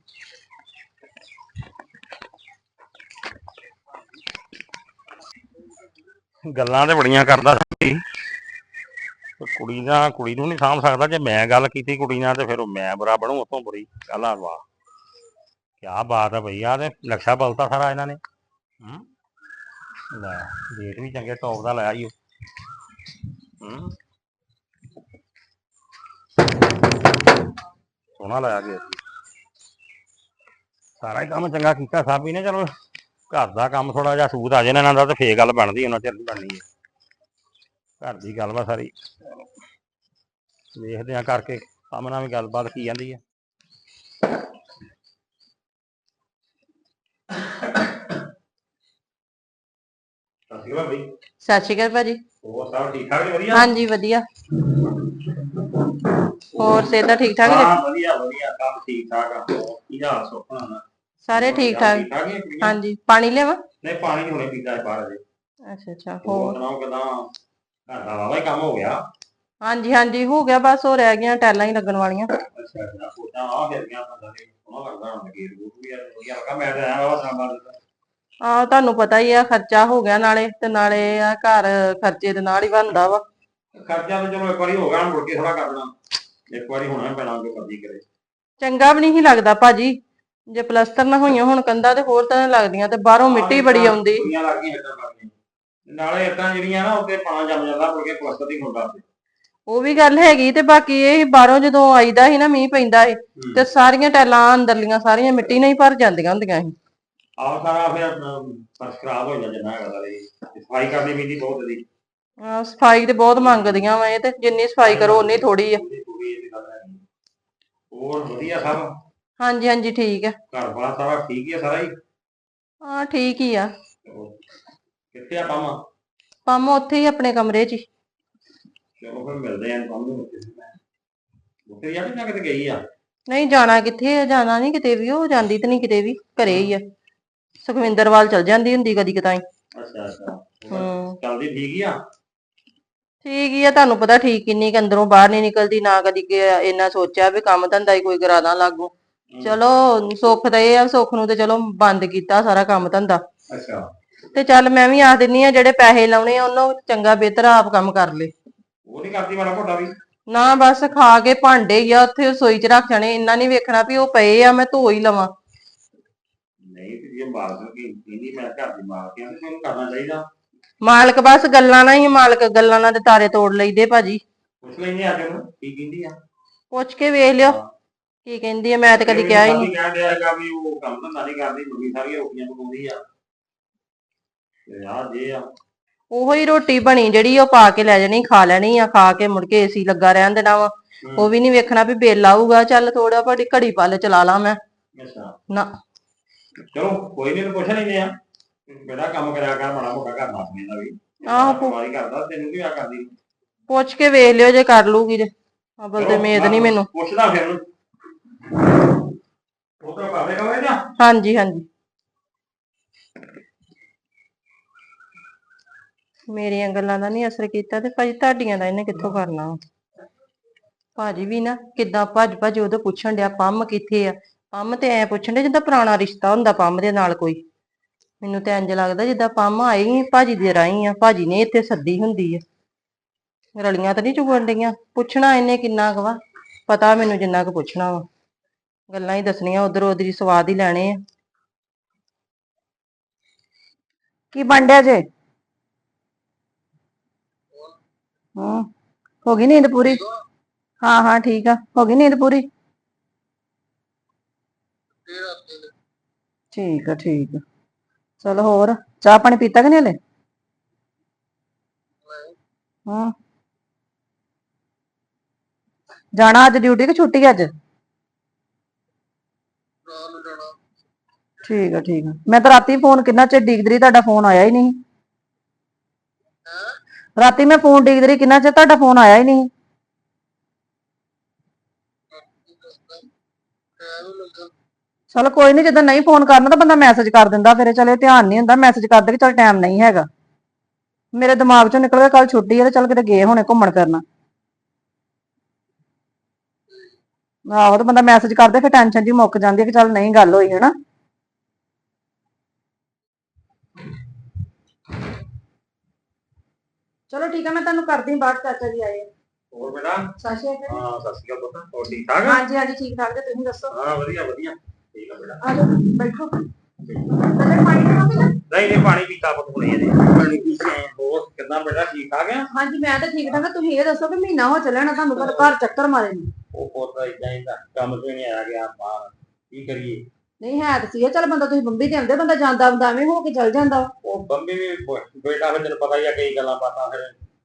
ਗੱਲਾਂ ਤੇ ਬੜੀਆਂ ਕਰਦਾ ਸੀ, ਕੁੜੀ ਦਾ ਕੁੜੀ ਨੂੰ ਨਹੀਂ ਸਾਂਭ ਸਕਦਾ, ਜੇ ਮੈਂ ਗੱਲ ਕੀਤੀ ਕੁੜੀ ਨਾਲ ਤੇ ਫਿਰ ਉਹ ਮੈਂ ਬੁਰਾ ਬਣੂ, ਉਤੋਂ ਬੁਰੀ ਗੱਲ ਆ। ਵਾਹ ਕਿਆ ਬਾਤ ਹੈ ਭਈਆ, ਤੇ ਨਕਸ਼ਾ ਬਲਤਾ ਸਾਰਾ ਇਹਨਾਂ ਨੇ। ਹੂੰ ਲੈ ਰੇਟ ਵੀ ਚੰਗੇ ਟੌਪ ਦਾ ਲਾਇਆ ਈ ਉਹ। ਹੂੰ ਸੋਹਣਾ ਲਾਇਆ ਗਿਆ, ਸਾਰਾ ਹੀ ਕੰਮ ਚੰਗਾ ਕੀਤਾ ਸਾਬੀ ਨੇ। ਚਲੋ ਘਰ ਦਾ ਕੰਮ ਥੋੜਾ ਜਿਹਾ ਸੂਤ ਆ ਜੇ ਨਾ ਇਹਨਾਂ ਦਾ, ਤੇ ਫੇਰ ਗੱਲ ਬਣਦੀ, ਉਹਨਾਂ ਚਿਰ ਨਹੀਂ ਬਣਨੀ ਹੈ। ਘਰ ਦੀ ਗੱਲ ਵਾ ਸਾਰੀ, ਵੇਖਦੇ ਆ ਕਰਕੇ ਕੰਮ ਨਾਲ ਵੀ ਗੱਲਬਾਤ ਕੀ ਜਾਂਦੀ ਹੈ। ਸਤਿ ਸ਼੍ਰੀ ਅਕਾਲ ਬਈ।
ਸਤਿ ਸ਼੍ਰੀ ਅਕਾਲ ਭਾਜੀ।
ਹੋਰ ਸਭ ਠੀਕ ਠਾਕ ਜੀ? ਵਧੀਆ
ਹਾਂਜੀ ਵਧੀਆ। ਹੋਰ ਸਿਹਤਾਂ ਠੀਕ ਠਾਕ
ਹਾਂ
ਜੀ?
ਵਧੀਆ ਵਧੀਆ, ਸਭ ਠੀਕ ਠਾਕ ਆ। ਕੀ ਹਾਲ ਸੁਪਨਾ ਨਾ?
ਸਾਰੇ ਠੀਕ ਠਾਕ।
ਠਾਕ ਹੀ ਆ ਕੁੜੀਆਂ?
ਹਾਂਜੀ ਪਾਣੀ ਲਿਆਵਾਂ?
ਨਹੀਂ ਪਾਣੀ ਹੁਣੇ ਪੀਤਾ ਹੈ ਬਾਹਰ ਅਜੇ।
ਅੱਛਾ ਅੱਛਾ।
ਹੋਰ
ਹੋਰ
ਸੁਣਾਓ ਕਿਦਾਂ? ਘਰ ਦਾ ਵਾਵਾ ਹੀ ਕੰਮ ਹੋ ਗਿਆ?
ਹਾਂਜੀ ਹਾਂਜੀ ਹੋ ਗਿਆ, ਬਸ ਉਹ ਰਹਿ ਗਈਆਂ ਟੈਲਾਂ ਹੀ ਲੱਗਣ ਵਾਲੀਆਂ।
ਅੱਛਾ ਅੱਛਾ, ਸੋਚਾਂ ਆ ਫਿਰ ਗਿਆ ਬੰਦਾ ਤੇ ਸੋਹਣਾ ਲੱਗਦਾ ਹੁਣ, ਗੇਟ ਗੂਟ ਵੀ ਵਧੀਆ ਲੱਗਾ। ਮੈਂ ਤਾਂ ਆਇਆ ਵਾ ਸਾਡਾ
ਆਹ ਤੁਹਾਨੂੰ ਪਤਾ ਹੀ ਆ, ਖਰਚਾ ਹੋ ਗਿਆ ਨਾਲੇ, ਤੇ ਨਾਲੇ ਆ ਘਰ ਖਰਚੇ ਦੇ ਨਾਲ ਹੀ ਬਣਦਾ ਵਾ।
ਖਰਚਾ ਤਾਂ ਚਲੋ ਇੱਕ ਵਾਰੀ ਹੋ ਗਿਆ, ਮੁੜ ਕੇ ਥੋੜਾ ਕਰਨਾ, ਇੱਕ ਵਾਰੀ ਹੋਣਾ ਹੀ ਪੈਣਾ ਜੋ ਮਰਜ਼ੀ ਕਰੇ।
ਚੰਗਾ ਵੀ ਨਹੀਂ ਲੱਗਦਾ ਭਾਜੀ, ਜੇ ਪਲਸਤਰ ਨਾ ਹੋਈਆਂ ਹੁਣ ਕੰਧਾਂ ਤੇ ਹੋਰ ਤਰ੍ਹਾਂ ਲੱਗਦੀਆਂ, ਤੇ ਬਾਹਰੋਂ ਮਿੱਟੀ ਬੜੀ ਆਉਂਦੀ।
ਕੁੜੀਆਂ ਲੱਗ ਗਈਆਂ ਇੱਦਾਂ ਕਰਦੀਆਂ, ਨਾਲੇ ਇੱਦਾਂ ਜਿਹੜੀਆਂ ਨਾ ਉੱਤੇ ਪਾਣਾ ਜੰਮ ਜਾਂਦਾ, ਮੁੜ ਕੇ ਪਲਸਤਰ ਹੀ ਹੁੰਦਾ।
ਉਹ ਵੀ ਗੱਲ ਹੈਗੀ, ਤੇ ਬਾਕੀ ਇਹ ਬਾਹਰੋਂ ਜਦੋਂ ਆਈਦਾ ਸੀ ਨਾ, ਮੀਂਹ ਪੈਂਦਾ ਸੀ, ਤੇ ਸਾਰੀਆਂ ਟੈਲਾਂ ਅੰਦਰਲੀਆਂ ਸਾਰੀਆਂ ਮਿੱਟੀ ਨਾਲ ਹੀ ਭਰ ਜਾਂਦੀਆਂ ਹੁੰਦੀਆਂ ਸੀ।
ਆਹ ਸਾਰਾ ਫਿਰ ਫਰਸ਼ ਖਰਾਬ ਹੋ ਜਾਂਦਾ ਜਿੰਨਾ ਹੈਗਾ, ਸਫਾਈ ਕਰਨੀ ਪੈਂਦੀ ਬਹੁਤ ਇਹਦੀ।
ਹਾਂ ਸਫਾਈ ਤੇ ਬਹੁਤ ਮੰਗਦੀਆਂ ਵਾ ਇਹ, ਤੇ ਜਿੰਨੀ ਸਫਾਈ ਕਰੋ ਉਨੀ ਥੋੜੀ ਆ।
ਹੋਰ ਵਧੀਆ ਸਭ?
ਹਾਂਜੀ ਹਾਂਜੀ ਠੀਕ ਆ।
ਘਰ ਬਾਰ ਸਾਰਾ ਠੀਕ ਹੀ ਆ ਸਾਰਾ ਹੀ?
ਹਾਂ ਠੀਕ ਹੀ ਆ।
ਕਿੱਥੇ ਆ ਪੰਮ?
ਪੰਮ ਉੱਥੇ ਹੀ ਆਪਣੇ ਕਮਰੇ 'ਚ ਹੀ।
ਚਲੋ ਫਿਰ ਮਿਲਦੇ ਆਂ ਪੰਮ ਨੂੰ। ਉੱਥੇ ਜਾ ਕੇ ਜਾਂ ਕਿਤੇ ਗਈ ਆ?
ਨਹੀਂ ਜਾਣਾ ਕਿੱਥੇ ਆ, ਜਾਣਾ ਨਹੀਂ ਕਿਤੇ ਵੀ, ਉਹ ਜਾਂਦੀ ਤੇ ਨਹੀਂ ਕਿਤੇ ਵੀ, ਘਰੇ ਹੀ ਆ। ਸੁਖਵਿੰਦਰ ਵੱਲ ਚਲ ਜਾਂਦੀ ਹੁੰਦੀ ਕਦੀ ਕਦਾਈ।
ਅੱਛਾ ਅੱਛਾ।
ਹੂੰ
ਚੱਲਦੀ ਠੀਕ ਹੀ ਆ?
ਠੀਕ ਹੀ ਆ, ਤੁਹਾਨੂੰ ਪਤਾ ਠੀਕ ਕਿੰਨੀ ਕੁ ਅੰਦਰੋਂ ਬਾਹਰ ਨਹੀਂ ਨਿਕਲਦੀ, ਨਾ ਕਦੀ ਇੰਨਾ ਸੋਚਿਆ ਵੀ ਕੰਮ ਧੰਦਾ ਹੀ ਕੋਈ ਕਰਾਦਾ ਲਾਗੂ। ਚਲੋ ਸੁੱਖ ਤਾਂ ਇਹ ਆ, ਸੁੱਖ ਨੂੰ ਤੇ ਚਲੋ ਬੰਦ ਕੀਤਾ ਸਾਰਾ ਕੰਮ ਧੰਦਾ।
ਅੱਛਾ।
ਤੇ ਚੱਲ ਮੈਂ ਵੀ ਆਖ ਦਿੰਨੀ ਆ, ਜਿਹੜੇ ਪੈਸੇ ਲਾਉਣੇ ਆ ਉਹਨੂੰ ਚੰਗਾ ਬਿਹਤਰ ਆਪ ਕੰਮ ਕਰ ਲੇ।
ਉਹ ਨਹੀਂ ਕਰਦੀ ਮਾੜਾ ਮੋਟਾ ਵੀ?
ਨਾ ਬਸ ਖਾ ਕੇ ਭਾਂਡੇ ਹੀ ਆ ਉੱਥੇ ਰਸੋਈ 'ਚ ਰੱਖ ਜਾਣੇ, ਇੰਨਾ ਨੀ ਵੇਖਣਾ ਵੀ ਉਹ ਪਏ ਆ ਮੈਂ ਧੋ ਹੀ ਲਵਾਂ।
ਨਹੀਂ ਤੇ ਜੇ ਮਾਲਕ ਕੀ ਕਹਿੰਦੀ ਮੈਂ ਘਰ ਦੀ ਮਾਲਕ ਆ, ਤੇ ਉਹਨੂੰ ਕਰਨਾ ਚਾਹੀਦਾ।
ਮਾਲਕ ਬਸ ਗੱਲਾਂ ਨਾਲ ਹੀ, ਮਾਲਕ ਗੱਲਾਂ ਨਾਲ ਤੇ ਤਾਰੇ ਤੋੜ ਲਈਦੇ ਭਾਜੀ।
ਪੁੱਛ ਲੈਂਦੇ ਅੱਜ ਉਹਨੂੰ ਕੀ ਕਹਿੰਦੀ ਆ।
ਪੁੱਛ ਕੇ ਵੇਖ ਲਿਓ ਕੀ ਕਹਿੰਦੀ ਆ, ਮੈਂ ਤੇ ਕਦੀ ਕਿਹਾ ਹੀ ਨਹੀਂ।
ਕਹਿਣ ਡਿਆ ਹੈਗਾ ਵੀ ਉਹ ਕੰਮ ਧੰਦਾ ਨਹੀਂ ਕਰਦੀ, ਮੁੰਡੀ ਸਾਰੀਆਂ ਰੋਟੀਆਂ ਪਕਾਉਂਦੀ ਆ, ਤੇ ਆਹ ਜੇ ਆ
ਉਹੋ ਹੀ ਰੋਟੀ ਬਣੀ ਜਿਹੜੀ ਉਹ ਪਾ ਕੇ ਲੈ ਜਾਣੀ, ਖਾ ਲੈਣੀ ਆ, ਖਾ ਕੇ ਮੁੜ ਕੇ ਏਸੀ ਲੱਗਾ ਰਹਿਣ ਦੇਣਾ ਵਾ। ਉਹ ਵੀ ਨੀ ਵੇਖਣਾ ਵੀ ਬਿੱਲ ਆਊਗਾ, ਚੱਲ ਥੋੜਾ ਭਾੜੀ ਘੜੀ ਪਲ ਚਲਾ ਲਾ ਮੈਂ।
ਅੱਛਾ
ਨਾ
ਚਲੋ ਕੋਈ ਨੀ, ਪੁੱਛ ਲੈਂਦੇ ਆ, ਬੜਾ ਕੰਮ ਕਰਿਆ ਕਰ ਮਾੜਾ ਮੋਟਾ ਘਰ ਦਾ ਦਾ ਵੀ।
ਆਹੋ ਪੁ-
ਬਿਮਾਰੀ ਕਰਦਾ ਤੈਨੂੰ ਕੀ ਆ ਕਰਦੀ
ਪੁੱਛ ਕੇ ਵੇਖ ਲਿਓ ਜੇ ਕਰ ਲੂਗੀ ਤੇ ਅਬਲ ਤੇ ਉਮੀਦ ਨਹੀਂ ਮੈਨੂੰ।
ਪੁੱਛਦਾ ਫਿਰ ਉਹਨੂੰ ਉਹ ਤਾਂ ਬਾਬੇ ਕਹੇ ਨਾ।
ਹਾਂਜੀ ਹਾਂਜੀ ਮੇਰੀਆਂ ਗੱਲਾਂ ਦਾ ਨਹੀਂ ਅਸਰ ਕੀਤਾ ਤੇ ਭਾਜੀ ਤੁਹਾਡੀਆਂ ਦਾ ਇਹਨੇ ਕਿੱਥੋਂ ਕਰਨਾ ਵਾ। ਭਾਜੀ ਵੀ ਨਾ ਕਿੱਦਾਂ ਭੱਜ ਭੱਜ ਉਹਦੇ ਪੁੱਛਣ ਡਿਆ ਪੰਮ ਕਿੱਥੇ ਆ। ਪੰਮ ਤੇ ਐ ਪੁੱਛਣ ਡਿਆ ਜਿੱਦਾਂ ਪੁਰਾਣਾ ਰਿਸ਼ਤਾ ਹੁੰਦਾ ਪੰਮ ਦੇ ਨਾਲ ਕੋਈ। ਮੈਨੂੰ ਤੇ ਇੰਜ ਲੱਗਦਾ ਜਿੱਦਾਂ ਪੰਮ ਆਈ ਭਾਜੀ ਦੇ ਰਾਹੀਂ ਆ, ਭਾਜੀ ਨੇ ਇੱਥੇ ਸੱਦੀ ਹੁੰਦੀ ਆ। ਰਲੀਆਂ ਤਾਂ ਨਹੀਂ ਚੁਗਣ ਡਈਆਂ। ਪੁੱਛਣਾ ਇਹਨੇ ਕਿੰਨਾ ਕੁ ਵਾ, ਪਤਾ ਮੈਨੂੰ ਜਿੰਨਾ ਕੁ ਪੁੱਛਣਾ ਵਾ। ਗੱਲਾਂ ਹੀ ਦੱਸਣੀਆਂ ਉਧਰ ਉਧਰ ਸਵਾਦ ਹੀ ਲੈਣੇ ਆ।
ਕੀ ਬਣ ਡਿਆ ਜੇ? ਹੂੰ ਹੋ ਗਈ ਨੀਂਦ ਪੂਰੀ? ਹਾਂ ਹਾਂ ਠੀਕ ਆ, ਹੋ ਗਈ ਨੀਂਦ ਪੂਰੀ? ਠੀਕ ਆ ਠੀਕ ਆ। ਚਲੋ ਹੋਰ ਚਾਹ ਪਾਣੀ ਪੀਤਾ ਕਿ ਨਹੀਂ ਹਲੇ? ਹੂੰ ਜਾਣਾ ਅੱਜ ਡਿਊਟੀ ਕਿ ਛੁੱਟੀ ਅੱਜ? ਠੀਕ ਆ ਠੀਕ ਆ। ਮੈਂ ਤਾਂ ਰਾਤੀ ਫੋਨ ਕਿੰਨਾ ਚਿਰ ਡੀਕਦੀ ਰਹੀ, ਤੁਹਾਡਾ ਫੋਨ ਆਇਆ ਹੀ ਨਹੀਂ। ਰਾਤੀ ਮੈਂ ਫੋਨ ਡੀਕਦੀ ਰਹੀ ਕਿੰਨਾ ਚਿਰ, ਤੁਹਾਡਾ ਫੋਨ ਆਇਆ ਹੀ ਨਹੀਂ। ਚਲੋ ਕੋਈ ਨੀ, ਜਦੋਂ ਨਹੀਂ ਫੋਨ ਕਰਨਾ ਤਾਂ ਬੰਦਾ ਮੈਸੇਜ ਕਰ ਦਿੰਦਾ, ਫਿਰ ਚਲੇ ਧਿਆਨ ਨਹੀਂ ਹੁੰਦਾ, ਮੈਸੇਜ ਕਰਦੇ ਕਿ ਚਲ ਟਾਈਮ ਨਹੀਂ ਹੈਗਾ। ਮੇਰੇ ਦਿਮਾਗ ਚੋਂ ਨਿਕਲ ਗਿਆ ਕੱਲ ਛੁੱਟੀ ਹੈ ਤੇ ਚੱਲ ਕਿਤੇ ਗਏ ਹੋਣੇ ਘੁੰਮਣ ਫਿਰਨ। ਆਹੋ ਤੇ ਬੰਦਾ ਮੈਸੇਜ ਕਰਦੇ ਫਿਰ ਟੈਨਸ਼ਨ ਜੀ ਮੁੱਕ ਜਾਂਦੀ ਹੈ ਕਿ ਚੱਲ ਨਹੀਂ ਗੱਲ ਹੋਈ ਹਨਾ। ਚਲੋ ਠੀਕ ਹੈ, ਮੈਂ ਤੁਹਾਨੂੰ ਕਰਦੀ ਬਾਅਦ, ਚਾਚਾ ਜੀ ਆਏ।
ਹੋਰ ਬੇਟਾ?
ਸਤਿ ਸ਼੍ਰੀ ਅਕਾਲ।
ਹਾਂ ਸਤਿ ਸ਼੍ਰੀ ਅਕਾਲ ਪੁੱਤ, ਹੋਰ ਠੀਕ ਠਾਕ ਆ?
ਹਾਂਜੀ ਹਾਂਜੀ ਠੀਕ ਠਾਕ ਜੀ, ਤੁਸੀਂ ਦੱਸੋ?
ਹਾਂ ਵਧੀਆ ਵਧੀਆ ਠੀਕ ਆ ਬੇਟਾ।
ਆ ਜਾਓ ਬੈਠੋ। ਪਹਿਲੇ ਪਾਣੀ ਪੀਣਾ ਪਹਿਲਾਂ?
ਨਹੀਂ ਨਹੀਂ ਪਾਣੀ ਪੀਤਾ ਪੁੱਤ ਹੁਣੇ ਇਹਨੇ ਪਾਣੀ ਪੀ ਕੇ ਆਏ। ਹੋਰ ਕਿੱਦਾਂ ਬੇਟਾ, ਠੀਕ ਠਾਕ ਆ?
ਹਾਂਜੀ ਮੈਂ ਤਾਂ ਠੀਕ ਠਾਕ ਆ। ਤੁਸੀਂ ਇਹ ਦੱਸੋ ਕਿ ਮਹੀਨਾ ਹੋ ਚੱਲਿਆ ਨਾ ਤੁਹਾਨੂੰ ਘਰ ਘਰ ਚੱਕਰ ਮਾਰੇ ਨੂੰ।
ਉਹ ਪੁੱਤ ਇਦਾਂ ਹੀ ਤਾਂ ਕੰਮ ਤੋਂ ਨਹੀਂ ਆਇਆ ਗਿਆ ਬਾਹਰ, ਕੀ ਕਰੀਏ।
ਨਹੀਂ ਹੈ ਤਾਂ ਸੀ ਚਲ ਬੰਦਾ, ਤੁਸੀਂ ਬੰਬੀ ਤੇ ਆਉਂਦੇ, ਬੰਦਾ ਜਾਂਦਾ ਹੁੰਦਾ ਐਵੇਂ ਹੋ ਕੇ ਚੱਲ ਜਾਂਦਾ।
ਉਹ ਬੰਬੀ ਵੀ ਬ- ਬੇਟਾ ਫਿਰ ਤੈਨੂੰ ਪਤਾ ਹੀ ਆ ਕਈ ਗੱਲਾਂ ਬਾਤਾਂ ਫਿਰ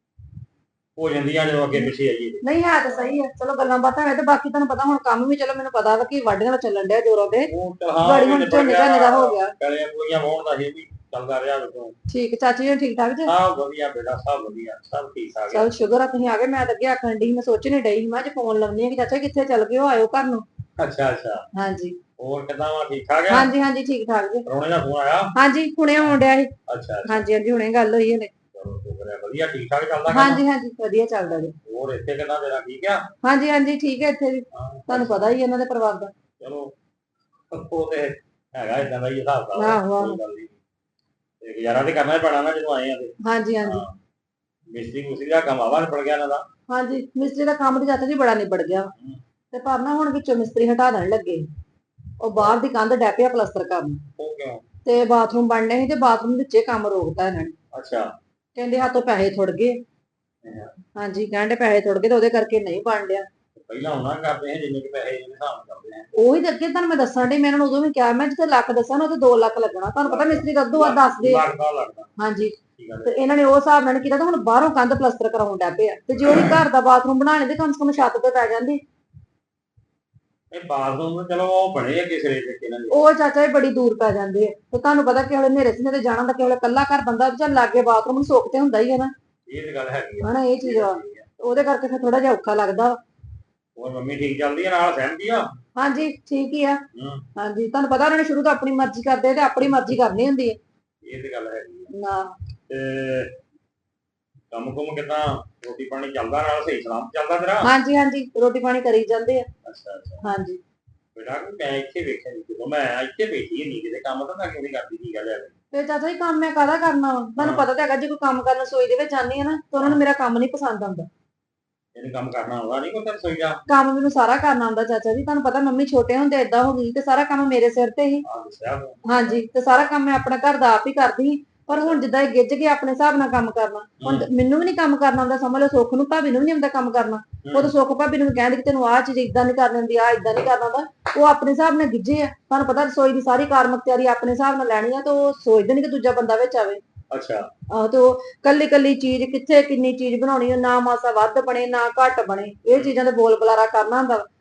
ਹੋ ਜਾਂਦੀਆਂ ਜਦੋਂ ਅੱਗੇ ਪਿੱਛੇ ਆਈਏ ਤੇ।
ਨਹੀਂ ਹੈ ਤਾਂ ਸਹੀ ਹੈ, ਚਲੋ ਗੱਲਾਂ ਬਾਤਾਂ ਹੈ ਤੇ ਬਾਕੀ ਤੁਹਾਨੂੰ ਪਤਾ ਹੁਣ ਕੰਮ ਵੀ, ਚਲੋ ਮੈਨੂੰ ਪਤਾ ਵਾ ਕਿ ਵਾਢੀਆਂ ਦਾ ਚੱਲਣ ਡਿਆ ਜੋਰਾਂ ਤੇ।
ਉਹ ਤਾਂ ਹਾਂ
ਗਾੜੀ ਹੁਣ ਝੋਨੇ ਝਾਨੇ ਦਾ ਹੋ ਗਿਆ।
ਗਲੀਆਂ ਗਲੀਆਂ ਵਾਹੁਣ ਦਾ ਇਹ ਵੀ ਚੱਲਦਾ ਰਿਹਾ ਉਦੋਂ।
ਠੀਕ ਚਾਚੀ ਜੀ ਠੀਕ ਠਾਕ ਜੀ?
ਸਭ ਵਧੀਆ ਬੇਟਾ, ਸਭ ਵਧੀਆ, ਸਭ ਠੀਕ ਠਾਕ ਆ।
ਚਲ ਸ਼ੁਕਰ ਆ ਤੁਸੀਂ ਆ ਗਏ। ਮੈਂ ਤਾਂ ਅੱਗੇ ਆਖਣ ਡਈ, ਮੈਂ ਸੋਚਣੀ ਡਈ ਸੀ ਮੈਂ ਅੱਜ ਫੋਨ ਲਾਉਣੀ ਆ ਕਿ ਚਾਚਾ ਕਿੱਥੇ ਚੱਲ ਗਏ ਹੋ, ਆਇਓ ਘਰ ਨੂੰ।
ਅੱਛਾ ਅੱਛਾ।
ਹਾਂਜੀ
ਹੋਰ ਕਿੱਦਾਂ ਵਾ, ਠੀਕ ਠਾਕ ਆ?
ਹਾਂਜੀ ਹਾਂਜੀ ਠੀਕ ਠਾਕ ਜੀ।
ਪ੍ਰਾਹੁਣੇ ਦਾ ਫੋਨ ਆਇਆ?
ਹਾਂਜੀ ਹੁਣੇ ਆਉਣ ਡਿਆ ਸੀ।
ਅੱਛਾ ਅੱਛਾ।
ਹਾਂਜੀ ਹਾਂਜੀ ਹੁਣੇ ਗੱਲ ਹੋਈ ਹਲੇ।
ਚਲੋ ਸ਼ੁਕਰ ਹੈ, ਵਧੀਆ ਠੀਕ ਠਾਕ ਚੱਲਦਾ ਕੰਮ?
ਹਾਂਜੀ ਹਾਂਜੀ ਵਧੀਆ ਚੱਲਦਾ ਜੀ।
ਹੋਰ ਇੱਥੇ ਕਿੱਦਾਂ ਤੇਰਾ ਠੀਕ ਆ?
ਹਾਂਜੀ ਹਾਂਜੀ ਠੀਕ ਹੈ ਇੱਥੇ ਵੀ,
ਹਾਂ,
ਤੁਹਾਨੂੰ ਪਤਾ ਹੀ ਇਹਨਾਂ ਦੇ ਪਰਿਵਾਰ ਦਾ।
ਚਲੋ ਉਹ ਤੇ ਹੈਗਾ ਇਦਾਂ ਦਾ ਹੀ ਹਿਸਾਬ ਦਾ।
ਆਹੋ, ਆਹੋ।
ਕੋਈ ਗੱਲ ਨੀ। ਤੇ ਗੁਜ਼ਾਰਾ ਤੇ ਕਰਨਾ ਹੀ ਪੈਣਾ ਨਾ ਜਦੋਂ ਆਏ ਆ ਤੇ।
ਹਾਂਜੀ ਹਾਂਜੀ
ਹਾਂ। ਮਿਸਤਰੀ ਮੁਸਤਰੀ ਦਾ ਕੰਮ ਆਵਾ ਨਿਬੜ ਗਿਆ ਇਹਨਾਂ ਦਾ?
ਹਾਂਜੀ ਮਿਸਤਰੀ ਦਾ ਕੰਮ ਤੇ ਚਾਚਾ ਜੀ ਬੜਾ ਨਿਬੜ ਗਿਆ ਵਾ। ਤੇ ਪਰ ਨਾ ਹੁਣ ਵਿੱਚੋਂ ਮਿਸਤਰੀ ਹਟਾ ਦੇਣ ਲੱਗੇ। ਉਹ ਬਾਹਰ ਦੀ ਕੰਧ ਡੈ ਪਿਆ ਪਲਸਤਰ ਕਰਨ,
ਉਹ ਕਿਉਂ?
ਤੇ ਬਾਥਰੂਮ ਬਣਨੇ ਸੀ ਤੇ ਬਾਥਰੂਮ ਵਿੱਚੇ ਕੰਮ ਰੋਕਤਾ ਇਹਨਾਂ ਨੇ।
ਅੱਛਾ।
ਕਹਿੰਦੇ ਹੱਥੋਂ ਪੈਸੇ ਥੁੜ ਗਏ। ਹਾਂਜੀ ਕਹਿੰਦੇ ਪੈਸੇ ਥੁੜ ਗਏ ਤੇ ਉਹਦੇ ਕਰਕੇ ਨਹੀਂ ਬਣ ਡਿਆ।
ਪਹਿਲਾਂ ਉਹਨਾਂ ਕਰਦੇ ਆ ਜਿੰਨੇ ਕਿ ਪੈਸੇ ਜਿਹਨੇ ਹਿਸਾਬ ਨਾਲ ਕਰਦੇ ਆ।
ਉਹੀ ਤਾਂ ਅੱਗੇ ਤੁਹਾਨੂੰ ਮੈਂ ਦੱਸਣ ਡਈ, ਮੈਂ ਇਹਨਾਂ ਨੂੰ ਉਦੋਂ ਵੀ ਕਿਹਾ ਮੈਂ ਜਿੱਥੇ ਲੱਖ ਦੱਸਾਂ ਨਾ ਉੱਥੇ ਦੋ ਲੱਖ ਲੱਗਣਾ। ਤੁਹਾਨੂੰ ਪਤਾ ਮਿਸਤਰੀ ਕਦੋਂ ਆ ਦੱਸਦੇ ਆ।
ਲੱਗਦਾ ਲੱਗਦਾ।
ਹਾਂਜੀ
ਠੀਕ ਆ।
ਤੇ ਇਹਨਾਂ ਨੇ ਉਹ ਹਿਸਾਬ ਨਾਲ ਕੀਤਾ ਤੇ ਹੁਣ ਬਾਹਰੋਂ ਕੰਧ ਪਲਸਤਰ ਕਰਾਉਣ ਡੈ ਪਏ ਆ। ਤੇ ਜੇ ਉਹਦੀ ਘਰ ਦਾ ਬਾਥਰੂਮ ਬਣਾਣੇ ਤੇ ਕਮ ਸੇ ਕਮ ਛੱਤ ਤੇ ਪੈ ਜਾਂਦੀ।
ਇਹ ਬਾਥਰੂਮ ਚਲੋ ਉਹ ਬਣੇ ਆ ਕਿਸੇ ਦੇ ਇਹਨਾਂ ਦੇ।
ਉਹ ਚਾਚਾ ਜੀ ਬੜੀ ਦੂਰ ਪੈ ਜਾਂਦੇ ਆ ਤੇ ਤੁਹਾਨੂੰ ਪਤਾ ਕਿ ਹਲੇ ਹਨੇਰੇ ਸਿਨੇ ਤੇ ਜਾਣਾ ਹੁੰਦਾ, ਕਿ ਹਲੇ ਕੱਲਾ ਘਰ ਬੰਦਾ ਚੱਲ ਲਾਗੇ ਬਾਥਰੂਮ ਸੁੱਖ ਤੇ ਹੁੰਦਾ ਹੀ ਹੈ ਨਾ।
ਇਹ ਤੇ ਗੱਲ ਹੈਗੀ ਆ।
ਹਨਾ ਇਹ ਚੀਜ਼ ਆ, ਉਹਦੇ ਕਰਕੇ ਫਿਰ ਥੋੜਾ ਜਿਹਾ ਔਖਾ ਲੱਗਦਾ।
ਹੋਰ ਮੰਮੀ ਠੀਕ ਚੱਲਦੀ ਆ, ਨਾਲ ਸਹਿਮਤੀ ਆ?
ਹਾਂਜੀ ਠੀਕ ਹੀ ਆ।
ਹੂੰ।
ਹਾਂਜੀ ਤੁਹਾਨੂੰ ਪਤਾ ਉਹਨਾਂ ਨੇ ਸ਼ੁਰੂ ਤੋਂ ਆਪਣੀ ਮਰਜ਼ੀ ਕਰਦੇ ਤੇ ਆਪਣੀ ਮਰਜ਼ੀ ਕਰਨੀ ਹੁੰਦੀ ਹੈ
ਇਹ ਤੇ ਗੱਲ ਹੈਗੀ ਆ।
ਨਾ।
ਤੇ ਕੰਮ ਕੁਮ ਕਿੱਦਾਂ, ਰੋਟੀ ਪਾਣੀ ਚੱਲਦਾ ਨਾਲ ਸਹੀ ਸਲਾਮ ਚੱਲਦਾ ਤੇਰਾ?
ਹਾਂਜੀ ਹਾਂਜੀ ਰੋਟੀ ਪਾਣੀ ਕਰੀ ਜਾਂਦੇ ਆ।
ਅੱਛਾ ਅੱਛਾ।
ਹਾਂਜੀ
ਬੇਟਾ ਮੈਂ ਇੱਥੇ ਵੇਖਿਆ ਨਹੀਂ, ਜਦੋਂ ਮੈਂ ਇੱਥੇ ਬੈਠੀ ਨਹੀਂ ਕਿਤੇ ਕੰਮ ਤਾਂ ਮੈਂ ਕਿਉਂ ਨਹੀਂ ਕਰਦੀ, ਕੀ ਗੱਲ ਹੈ?
ਤੇ ਚਾਚਾ ਜੀ ਕੰਮ ਮੈਂ ਕਾਹਦਾ ਕਰਨਾ ਵਾ, ਤੁਹਾਨੂੰ ਪਤਾ ਤਾਂ ਹੈਗਾ ਜੇ ਕੋਈ ਕੰਮ ਕਰਨ ਰਸੋਈ ਦੇ ਵਿੱਚ ਜਾਂਦੀ ਹੈ ਨਾ ਤਾਂ ਉਹਨਾਂ ਨੂੰ ਮੇਰਾ ਕੰਮ ਨਹੀਂ ਪਸੰਦ ਆਉਂਦਾ।
ਇਹਨੂੰ ਕੰਮ ਕਰਨਾ ਆਉਂਦਾ ਨਹੀਂ ਕੋਈ ਤੇਰੇ ਰਸੋਈ ਦਾ?
ਕੰਮ ਮੈਨੂੰ ਸਾਰਾ ਕਰਨਾ ਆਉਂਦਾ ਚਾਚਾ ਜੀ, ਤੁਹਾਨੂੰ ਪਤਾ ਮੰਮੀ ਛੋਟੇ ਹੁੰਦੇ ਏਦਾਂ ਹੋ ਗਈ ਤੇ ਸਾਰਾ ਕੰਮ ਮੇਰੇ ਸਿਰ ਤੇ ਹੀ।
ਆ ਦੱਸਿਆ ਤੂੰ।
ਹਾਂਜੀ ਤੇ ਸਾਰਾ ਕੰਮ ਮੈਂ ਆਪਣਾ ਘਰ ਦਾ ਆਪ ਹੀ ਕਰਦੀ ਸੀ। ਪਰ ਹੁਣ ਜਿੱਦਾਂ ਇਹ ਗਿੱਝ ਕੇ ਆਪਣੇ ਹਿਸਾਬ ਨਾਲ ਕੰਮ ਕਰਨਾ, ਹੁਣ ਮੈਨੂੰ ਵੀ ਨਹੀਂ ਕੰਮ ਕਰਨਾ ਆਉਂਦਾ, ਸਮਝ ਲਓ ਸੁੱਖ ਨੂੰ ਭਾਬੀ ਨੂੰ ਵੀ ਨਹੀਂ ਆਉਂਦਾ ਕੰਮ ਕਰਨਾ। ਉਹ ਤਾਂ ਸੁੱਖ ਭਾਬੀ ਨੂੰ ਕਹਿੰਦੇ ਕਿ ਤੈਨੂੰ ਆਹ ਚੀਜ਼ ਇਦਾਂ ਨਹੀਂ ਕਰਨੀ ਹੁੰਦੀ, ਆਹ ਇਦਾਂ ਨਹੀਂ ਕਰਨਾ ਹੁੰਦਾ। ਉਹ ਆਪਣੇ ਹਿਸਾਬ ਨਾਲ ਗਿੱਝੇ ਆ, ਤੁਹਾਨੂੰ ਪਤਾ ਰਸੋਈ ਦੀ ਸਾਰੀ ਕਾਰਮਕ ਤਿਆਰੀ ਆਪਣੇ ਹਿਸਾਬ ਨਾਲ ਲੈਣੀ ਆ, ਤੇ ਉਹ ਸੋਚਦੇ ਨਹੀਂ ਕਿ ਦੂਜਾ ਬੰਦਾ ਵਿੱਚ ਆਵੇ।
ਅੱਛਾ।
ਆਹੋ ਤੇ ਉਹ ਕੱਲੀ ਕੱਲੀ ਚੀਜ਼ ਕਿੱਥੇ ਕਿੰਨੀ ਚੀਜ਼ ਬਣਾਉਣੀ ਆ, ਨਾ ਮਾਸਾ ਵੱਧ ਬਣੇ ਨਾ ਘੱਟ ਬਣੇ, ਇਹ ਚੀਜ਼ਾਂ ਦੇ ਬੋਲ ਬੁਲਾਰਾ ਕਰਨਾ ਹੁੰਦਾ।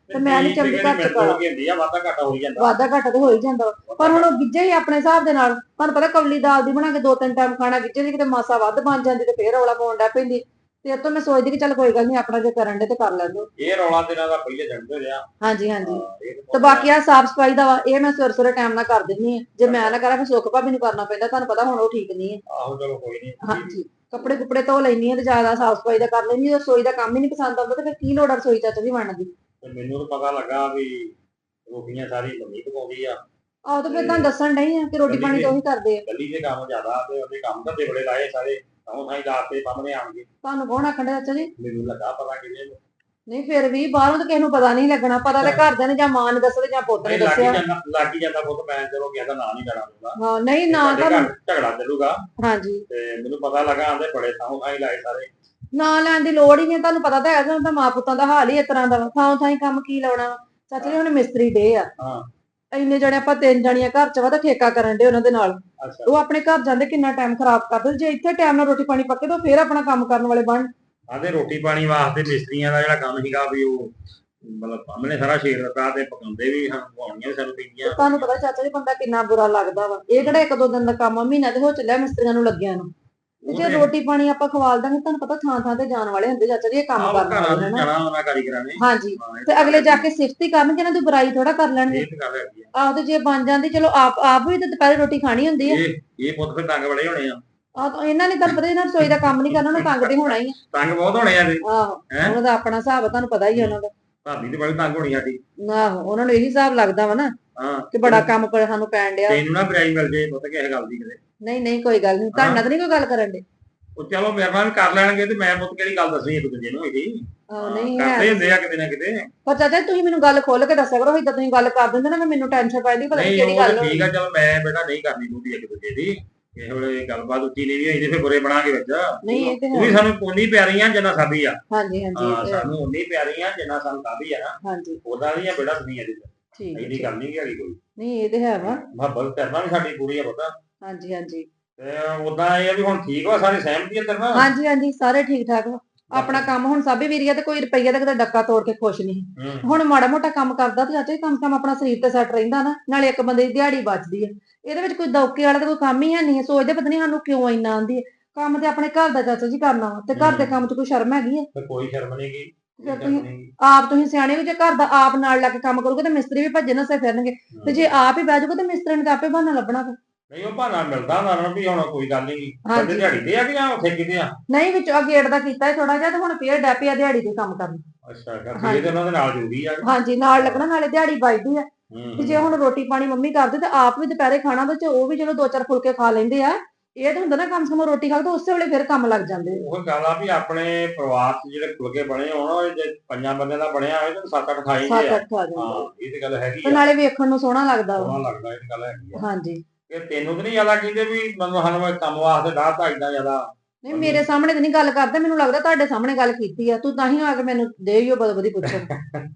ਤੇ ਮੈਂ ਨਹੀਂ ਚੰਗੀ ਘਰ ਚ ਕਰਾਂ।
ਹੁੰਦੀ ਆ ਵਾਧਾ ਘਾਟਾ ਹੋਈ ਜਾਂਦਾ
ਵਾਧਾ ਘਾਟਾ ਤੇ ਹੋ ਹੀ ਜਾਂਦਾ ਵਾ। ਪਰ ਹੁਣ ਉਹ ਗਿੱਜੇ ਹੀ ਆਪਣੇ ਹਿਸਾਬ ਦੇ ਨਾਲ, ਤੁਹਾਨੂੰ ਪਤਾ ਕੌਲੀ ਦਾਲ ਦੀ ਬਣਾ ਕੇ ਦੋ ਤਿੰਨ ਟਾਈਮ ਖਾਣਾ, ਗਿੱਜੇ ਦੀ ਕਿਤੇ ਮਾਸਾ ਵੱਧ ਬਣ ਜਾਂਦੀ ਤੇ ਫੇਰ ਰੌਲਾ ਪਾਉਣ ਡੈ ਪੈਂਦੀ। ਤੇ ਇਹ ਤੋਂ ਮੈਂ ਸੋਚਦੀ ਕਿ ਚੱਲ ਕੋਈ ਗੱਲ ਨਹੀਂ, ਆਪਣਾ ਜੇ ਕਰਨ ਦੇ ਤੇ ਕਰ ਲੈਂਦੇ।
ਇਹ ਰੌਲਾ ਤੇਰਾ ਦਾ ਪਹਿਲੇ ਜੰਦੇ ਰਿਹਾ।
ਹਾਂਜੀ ਹਾਂਜੀ।
ਇਹ ਤਾਂ
ਤੇ ਬਾਕੀ ਆ ਸਾਫ ਸਫਾਈ ਦਾ ਵਾ, ਇਹ ਮੈਂ ਸਵੇਰੇ ਸਵੇਰੇ ਟਾਈਮ ਨਾਲ ਕਰ ਦਿੰਦੀ ਆ। ਜੇ ਮੈਂ ਨਾ ਕਰਾਂ ਫਿਰ ਸੁੱਖ ਭਾਬੀ ਨੂੰ ਕਰਨਾ ਪੈਂਦਾ, ਤੁਹਾਨੂੰ ਪਤਾ ਹੁਣ ਉਹ ਠੀਕ ਨਹੀਂ ਹੈ।
ਆਹੋ ਚਲੋ ਕੋਈ ਨਹੀਂ।
ਹਾਂਜੀ, ਕੱਪੜੇ ਕੁਪੜੇ ਧੋ ਲੈਣੀ ਆ ਤੇ ਜ਼ਿਆਦਾ ਸਾਫ ਸਫਾਈ ਦਾ ਕਰ ਲੈਣੀ ਆ। ਰਸੋਈ ਦਾ ਕੰਮ ਹੀ ਨਹੀਂ ਪਸੰਦ ਆਉਂਦਾ ਤੇ ਫਿਰ ਕੀ ਲੋੜ ਆ ਰਸੋਈ ਚਾਚਾ ਜੀ ਬਣਨ ਦੀ।
ਤੇ ਮੈਨੂੰ ਤਾਂ ਪਤਾ ਲੱਗਾ ਵੀ ਰੋਟੀਆਂ ਸਾਰੀ ਮੰਮੀ ਪਕਾਉਂਦੀ ਆ।
ਆਹ ਤਾਂ ਫਿਰ ਤੁਹਾਨੂੰ ਦੱਸਣ ਨਹੀਂ ਆ ਕਿ ਰੋਟੀ ਪਾਣੀ ਤਾਂ ਉਹੀ ਕਰਦੇ ਆ।
ਗਲੀ ਦੇ ਕੰਮ ਜ਼ਿਆਦਾ ਤੇ ਉਹਦੇ ਕੰਮ ਧੰਦੇ ਬੜੇ ਲਾਏ ਸਾਰੇ, ਤਾਂ ਸਾਈ ਲਾਤੇ ਸਾਹਮਣੇ ਆਣਗੇ।
ਤੁਹਾਨੂੰ ਕੌਣ ਆਖਣ ਡਿਆ ਚਾਚਾ ਜੀ?
ਮੈਨੂੰ ਲੱਗਾ ਪਤਾ ਕਿਵੇਂ
ਨਹੀਂ ਫਿਰ ਵੀ ਬਾਹਰੋਂ ਤਾਂ ਕਿਸੇ ਨੂੰ ਪਤਾ ਨਹੀਂ ਲੱਗਣਾ। ਪਤਾ ਤੇ ਘਰਦਿਆਂ ਨੇ ਜਾਂ ਮਾਂ ਨੇ ਦੱਸਿਆ ਜਾਂ ਪੁੱਤ ਨੇ
ਲੱਗ
ਦੱਸਿਆ।
ਜਾਂਦਾ ਲੱਗ ਹੀ ਜਾਂਦਾ ਪੁੱਤ, ਮੈਂ ਚਲੋ ਕਿਸੇ ਦਾ ਨਾਂ ਨਹੀਂ ਲੈਣਾ ਦੂੰਗਾ।
ਹਾਂ ਨਹੀਂ ਨਾ
ਤੁਹਾਡੇ
ਤੁਹਾਨੂੰ,
ਘਰ ਝਗੜਾ ਚੱਲੂਗਾ
ਹਾਂਜੀ
ਤੇ ਮੈਨੂੰ ਪਤਾ ਲੱਗਾ ਆਂਦੇ ਬੜੇ ਥਾਂ ਥਾਈ ਲਾਏ ਸਾਰੇ।
ਨਾ ਲੈਣ ਦੀ ਲੋੜ ਹੀ ਨਹੀਂ। ਤੁਹਾਨੂੰ ਪਤਾ ਤਾਂ ਹੈ ਤੁਹਾਨੂੰ ਤਾਂ ਮਾਂ ਪੁੱਤਾਂ ਦਾ ਹਾਲ ਹੀ ਇਸ ਤਰ੍ਹਾਂ ਦਾ ਵਾ। ਥਾਂ ਥਾਂ ਕੰਮ ਕੀ ਲਾਉਣਾ ਵਾ। ਚਾਚਾ ਜੀ ਹੁਣ ਮਿਸਤਰੀ ਡੇ ਆ,
ਹਾਂ
ਇੰਨੇ ਜਣੇ ਆਪਾਂ ਤਿੰਨ ਜਣੀਆਂ ਘਰ ਚ ਵਾ ਤਾਂ ਠੇਕਾ ਕਰਨ ਦੇ ਉਹਨਾਂ ਦੇ ਨਾਲ।
ਅੱਛਾ
ਉਹ ਆਪਣੇ ਘਰ ਜਾਂਦੇ ਕਿੰਨਾ ਟਾਈਮ ਖਰਾਬ ਕਰਦੇ। ਜੇ ਇੱਥੇ ਟਾਈਮ ਨਾਲ ਰੋਟੀ ਪਾਣੀ ਪੱਕੇ ਤਾਂ ਫੇਰ ਆਪਣਾ ਕੰਮ ਕਰਨ ਵਾਲੇ ਬਣ।
ਆਂਦੇ ਰੋਟੀ ਪਾਣੀ ਵਾਸਤੇ ਮਿਸਤਰੀਆਂ ਦਾ ਜਿਹੜਾ ਕੰਮ ਸੀਗਾ ਵੀ ਉਹ ਮਤਲਬ ਸਾਹਮਣੇ ਸਾਰਾ ਸ਼ੇਰ ਦਿੱਤਾ ਤੇ ਪਕਾਉਂਦੇ ਵੀ ਸਾਨੂੰ ਪਕਾਉਣੀਆਂ ਵੀ ਸਾਨੂੰ ਪੈਂਦੀਆਂ।
ਤੁਹਾਨੂੰ ਪਤਾ ਚਾਚਾ ਜੀ ਬੰਦਾ ਕਿੰਨਾ ਬੁਰਾ ਲੱਗਦਾ ਵਾ। ਇਹ ਕਿਹੜਾ ਇੱਕ ਦੋ ਦਿਨ ਦਾ ਕੰਮ ਆ, ਮਹੀਨਾ ਤੇ ਹੋ ਚੱਲਿਆ ਮਿਸਤਰੀਆਂ ਨੂੰ ਲੱਗਿਆ ਨੂੰ। ਤੇ ਜੇ ਰੋਟੀ ਪਾਣੀ ਆਪਾਂ ਖਵਾਲ ਦਾਂਗੇ, ਤੁਹਾਨੂੰ ਪਤਾ ਥਾਂ ਥਾਂ ਤੇ ਜਾਣ ਵਾਲੇ ਹੁੰਦੇ ਚਾਚਾ ਜੀ ਇਹ ਕੰਮ ਕਰਨ ਵਾਲੇ ਹਨਾ।
ਜਾਣਾ ਉਹਨਾਂ ਕਾਰੀਗਰਾਂ ਨੇ।
ਹਾਂਜੀ, ਤੇ ਅਗਲੇ ਜਾ ਕੇ ਸਿਫਤ ਹੀ ਕਰਨਗੇ, ਇਹਨਾਂ ਦੀ ਬੁਰਾਈ ਥੋੜਾ ਕਰ ਲੈਣਗੇ।
ਇਹ ਤਾਂ ਗੱਲ ਹੈਗੀ ਆ।
ਆਹ ਤੇ ਜੇ ਬਣ ਜਾਂਦੀ ਚਲੋ ਆਪ ਆਪ ਵੀ ਤੇ ਦੁਪਹਿਰੇ ਰੋਟੀ ਖਾਣੀ ਹੁੰਦੀ ਆ।
ਇਹ ਇਹ ਪੁੱਤ ਫਿਰ ਤੰਗ ਬੜੇ ਹੋਣੇ ਆ।
ਆਹ ਤਾਂ ਇਹਨਾਂ ਨੇ ਤੁਹਾਨੂੰ ਪਤਾ ਇਹਨਾਂ ਰਸੋਈ ਦਾ ਕੰਮ ਨਹੀਂ ਕਰਨਾ, ਉਹਨਾਂ ਤੰਗ ਤੇ ਹੋਣਾ ਹੀ ਆ।
ਤੰਗ ਬਹੁਤ ਹੋਣੇ ਆ ਇਹਦੇ।
ਆਹੋ ਉਹਨਾਂ ਦਾ ਆਪਣਾ ਹਿਸਾਬ ਆ, ਤੁਹਾਨੂੰ ਪਤਾ ਹੀ ਆ ਉਹਨਾਂ ਦਾ।
ਭਾਬੀ ਤੇ ਬੜੀ ਤੰਗ ਹੋਣੀ ਸਾਡੀ।
ਆਹੋ ਉਹਨਾਂ ਨੂੰ ਇਹੀ ਹਿਸਾਬ ਲੱਗਦਾ ਵਾ ਨਾ
ਹਾਂ
ਕਿ ਬੜਾ ਕੰਮ ਪਰ ਸਾਨੂੰ ਪੈਣ ਡਿਆ।
ਤੈਨੂੰ ਨਾ ਬਰਾਈ ਮਿਲ ਜੇ ਪੁੱਤ ਕਿਸੇ ਗੱਲ ਦੀ ਕਿਤੇ।
ਨਹੀਂ ਨਹੀਂ ਕੋਈ ਗੱਲ ਨਹੀਂ, ਤੁਹਾਡੇ ਨਾਲ ਤਾਂ ਨਹੀਂ ਕੋਈ ਗੱਲ ਕਰਨ ਦੇ।
ਉਹ ਚਲੋ ਮੇਰੇ ਨਾਲ ਵੀ ਕਰ ਲੈਣਗੇ ਤੇ ਮੈਂ ਪੁੱਤ ਕਿਹੜੀ ਗੱਲ ਦੱਸਣੀ ਇੱਕ ਦੂਜੇ ਨੂੰ ਇਹਦੀ।
ਆਹ ਨਹੀਂ
ਕਰਦੇ
ਹੈ।
ਹੁੰਦੇ ਆ ਕਿਤੇ ਨਾ ਕਿਤੇ।
ਪਰ ਚਾਚਾ ਜੀ ਤੁਸੀਂ ਮੈਨੂੰ ਗੱਲ ਖੋਲ ਕੇ ਦੱਸਿਆ ਕਰੋ। ਏਦਾਂ ਤੁਸੀਂ ਗੱਲ ਕਰ ਦਿੰਦੇ ਨਾ ਮੈਨੂੰ ਟੈਨਸ਼ਨ ਪੈਂਦੀ ਪਤਾ ਨਹੀਂ
ਨਹੀਂ
ਕਿਹੜੀ
ਉਹ
ਗੱਲ
ਤਾਂ
ਹੋਈ।
ਠੀਕ ਆ, ਚਲ ਮੈਂ ਬੇਟਾ ਨਹੀਂ ਕਰਨੀ ਬੂਦੀ ਇੱਕ ਦੂਜੇ ਦੀ। ਕਿਸੇ ਵੇਲੇ ਗੱਲਬਾਤ ਉੱਚੀ ਨਹੀਂ ਹੋਈ ਤੇ ਫਿਰ ਬੁਰੇ ਬਣਾਂਗੇ ਵਿੱਚ।
ਨਹੀਂ ਇਹ ਤੇ
ਉਹ
ਹੈ।
ਵੀ ਸਾਨੂੰ ਉਨੀ ਪਿਆਰੀ ਆ ਜਿੰਨਾ ਸਾਡੀ ਆ।
ਹਾਂਜੀ ਹਾਂਜੀ
ਹਾਂ
ਇਹ ਤੇ ਹੈ।
ਸਾਨੂੰ ਉਨੀ ਪਿਆਰੀ ਆ ਜਿੰਨਾ ਸਾਨੂੰ ਸਾਡੀ ਆ ਨਾ।
ਹਾਂਜੀ
ਉਹਦਾ ਨਹੀਂ ਆ ਬੇਟਾ ਦੁਨੀਆ ਦੀ।
ਠੀਕ ਹੈ,
ਇਹਦੀ ਗੱਲ ਨਹੀਂ ਹੈਗੀ ਕੋਈ।
ਨਹੀਂ ਇਹ ਤੇ ਹੈ ਵਾ।
ਮੁਹੱਬਤ ਕਰਨਾ ਵੀ ਸਾਡੀ ਪੂਰੀ ਆ ਪਤਾ।
ਹਾਂਜੀ ਹਾਂਜੀ
ਤੇ ਉਦਾਂ ਇਹ ਆ ਵੀ ਹੁਣ ਠੀਕ ਵਾ, ਸਾਰੇ ਸਹਿਮਤੀ ਆ ਤੇਰੇ ਨਾਲ।
ਹਾਂਜੀ ਹਾਂਜੀ ਸਾਰੇ ਠੀਕ ਠਾਕ ਵਾ। ਆਪਣਾ ਕੰਮ ਹੁਣ ਸਾਬੀ ਵੀਰੀਆ ਤੇ ਕੋਈ ਰੁਪਈਆ ਦਾ ਕਿਤੇ ਡੱਕਾ ਤੋੜ ਕੇ ਖੁਸ਼ ਨਹੀਂ।
ਹੂੰ।
ਹੁਣ ਮਾੜਾ ਮੋਟਾ ਕੰਮ ਕਰਦਾ ਤੇ ਚਾਚਾ ਜੀ ਕੰਮ ਕੰਮ ਆਪਣਾ ਸਰੀਰ ਤੇ ਸੈੱਟ ਰਹਿੰਦਾ ਨਾ, ਨਾਲੇ ਇੱਕ ਬੰਦੇ ਦੀ ਦਿਹਾੜੀ ਬਚਦੀ ਹੈ। ਇਹਦੇ ਵਿੱਚ ਕੋਈ ਦੌਕੇ ਵਾਲਾ ਤਾਂ ਕੋਈ ਕੰਮ ਹੀ ਹੈ ਨਹੀਂ। ਸੋਚਦੇ ਪਤਾ ਨਹੀਂ ਸਾਨੂੰ ਕਿਉਂ ਇੰਨਾ ਆਂਦੀ ਹੈ। ਕੰਮ ਤੇ ਆਪਣੇ ਘਰ ਦਾ ਚਾਚਾ ਜੀ ਕਰਨਾ ਵਾ, ਤੇ ਘਰ ਦੇ ਕੰਮ 'ਚ ਕੋਈ ਸ਼ਰਮ ਹੈਗੀ ਹੈ?
ਤੇ ਕੋਈ ਸ਼ਰਮ ਨਹੀਂ ਗੀ।
ਫਿਰ ਤੁਸੀਂ ਆਪ ਤੁਸੀਂ ਸਿਆਣੇ ਹੋ, ਜੇ ਘਰ ਦਾ ਆਪ ਨਾਲ ਲਾ ਕੇ ਕੰਮ ਕਰੋਗੇ ਤੇ ਮਿਸਤਰੀ ਵੀ ਭੱਜੇ ਨਸੇ ਫਿਰਨਗੇ। ਤੇ ਜੇ ਆਪ ਹੀ ਬਹਿ ਜਾਓਗੇ ਤੇ ਮਿਸਤਰੀ ਨੇ ਤਾਂ ਆਪੇ ਬਹਾਨਾ ਲੱਭਣਾ ਫਿਰ।
ਨਹੀਂ ਉਹ ਬਹਾਨਾ ਮਿਲਦਾ ਉਹਨਾਂ ਨੂੰ ਵੀ ਹੁਣ ਕੋਈ ਗੱਲ ਨਹੀਂ।
ਹਾਂਜੀ।
ਬੰਦੇ ਦਿਹਾੜੀ ਤੇ ਆ ਕਿ ਜਾਂ ਉੱਥੇ ਕਿਤੇ ਆ?
ਨਹੀਂ ਵਿੱਚ ਆ ਗੇਟ ਦਾ ਕੀਤਾ ਥੋੜਾ ਜਿਹਾ ਤੇ ਹੁਣ ਫੇਰ ਡੈਪੀ ਆ ਦਿਹਾੜੀ ਤੇ ਕੰਮ ਕਰਨ।
ਅੱਛਾ ਕਰਦੇ ਤੇ ਉਹਨਾਂ ਦੇ ਨਾਲ ਜੁੜੀ ਆ।
ਹਾਂਜੀ ਨਾਲ ਲੱਗਣਾ, ਨਾਲੇ ਦਿਹਾੜੀ ਵੱਜਦੀ ਆ।
ਹੂੰ।
ਤੇ ਜੇ ਹੁਣ ਰੋਟੀ ਪਾਣੀ ਮੰਮੀ ਕਰਦੇ ਤੇ ਆਪ ਵੀ ਦੁਪਹਿਰੇ ਖਾਣਾ ਤੇ ਉਹ ਵੀ ਚਲੋ ਦੋ ਚਾਰ ਫੁਲਕੇ ਖਾ ਲੈਂਦੇ ਆ। ਇਹ ਤਾਂ ਹੁੰਦਾ ਨਾ ਕੰਮ ਸਮਾਂ ਰੋਟੀ ਖਾ ਕੇ ਤਾਂ ਉਸੇ ਵੇਲੇ ਫਿਰ ਕੰਮ ਲੱਗ ਜਾਂਦੇ ਆ।
ਉਹ ਗੱਲ ਆ ਵੀ ਆਪਣੇ ਪਰਿਵਾਰ 'ਚ ਜਿਹੜੇ ਫੁਲਕੇ ਬਣੇ ਹੋਣ, ਉਹ ਜੇ ਪੰਜਾਂ ਬੰਦਿਆਂ ਦਾ ਬਣਿਆ ਹੋਵੇ ਤਾਂ ਸੱਤ ਅੱਠ ਖਾਈ
ਸੱਤ
ਦੇ ਆ।
ਅੱਠ ਖਾ ਜਾਂਦੇ ਆ।
ਹਾਂ ਇਹ ਤੇ ਗੱਲ ਹੈਗੀ
ਤੇ
ਆ।
ਨਾਲੇ ਵੇਖਣ ਨੂੰ ਸੋਹਣਾ ਲੱਗਦਾ ਵਾ।
ਸੋਹਣਾ ਲੱਗਦਾ, ਇਹ ਤੇ ਗੱਲ ਹੈਗੀ ਆ।
ਹਾਂਜੀ
ਕਿ ਤੈਨੂੰ ਤਾਂ ਨਹੀਂ ਜ਼ਿਆਦਾ ਕਹਿੰਦੇ ਵੀ ਮੈਨੂੰ ਸਾਨੂੰ ਇਹ ਕੰਮ ਵਾਸਤੇ ਡਾਹ ਏਦਾਂ ਜ਼ਿਆਦਾ।
ਨਹੀਂ ਮੇਰੇ ਸਾਹਮਣੇ ਤਾਂ ਨਹੀਂ ਗੱਲ ਕਰਦੇ, ਮੈਨੂੰ ਲੱਗਦਾ ਤੁਹਾਡੇ ਸਾਹਮਣੇ ਗੱਲ ਕੀਤੀ ਆ। ਤੂੰ ਤਾਂ ਹੀ ਆ ਕੇ ਮੈਨੂੰ ਦੇ ਹੀ ਉਹ ਬਦਬਦੀ ਪੁੱਛਣ।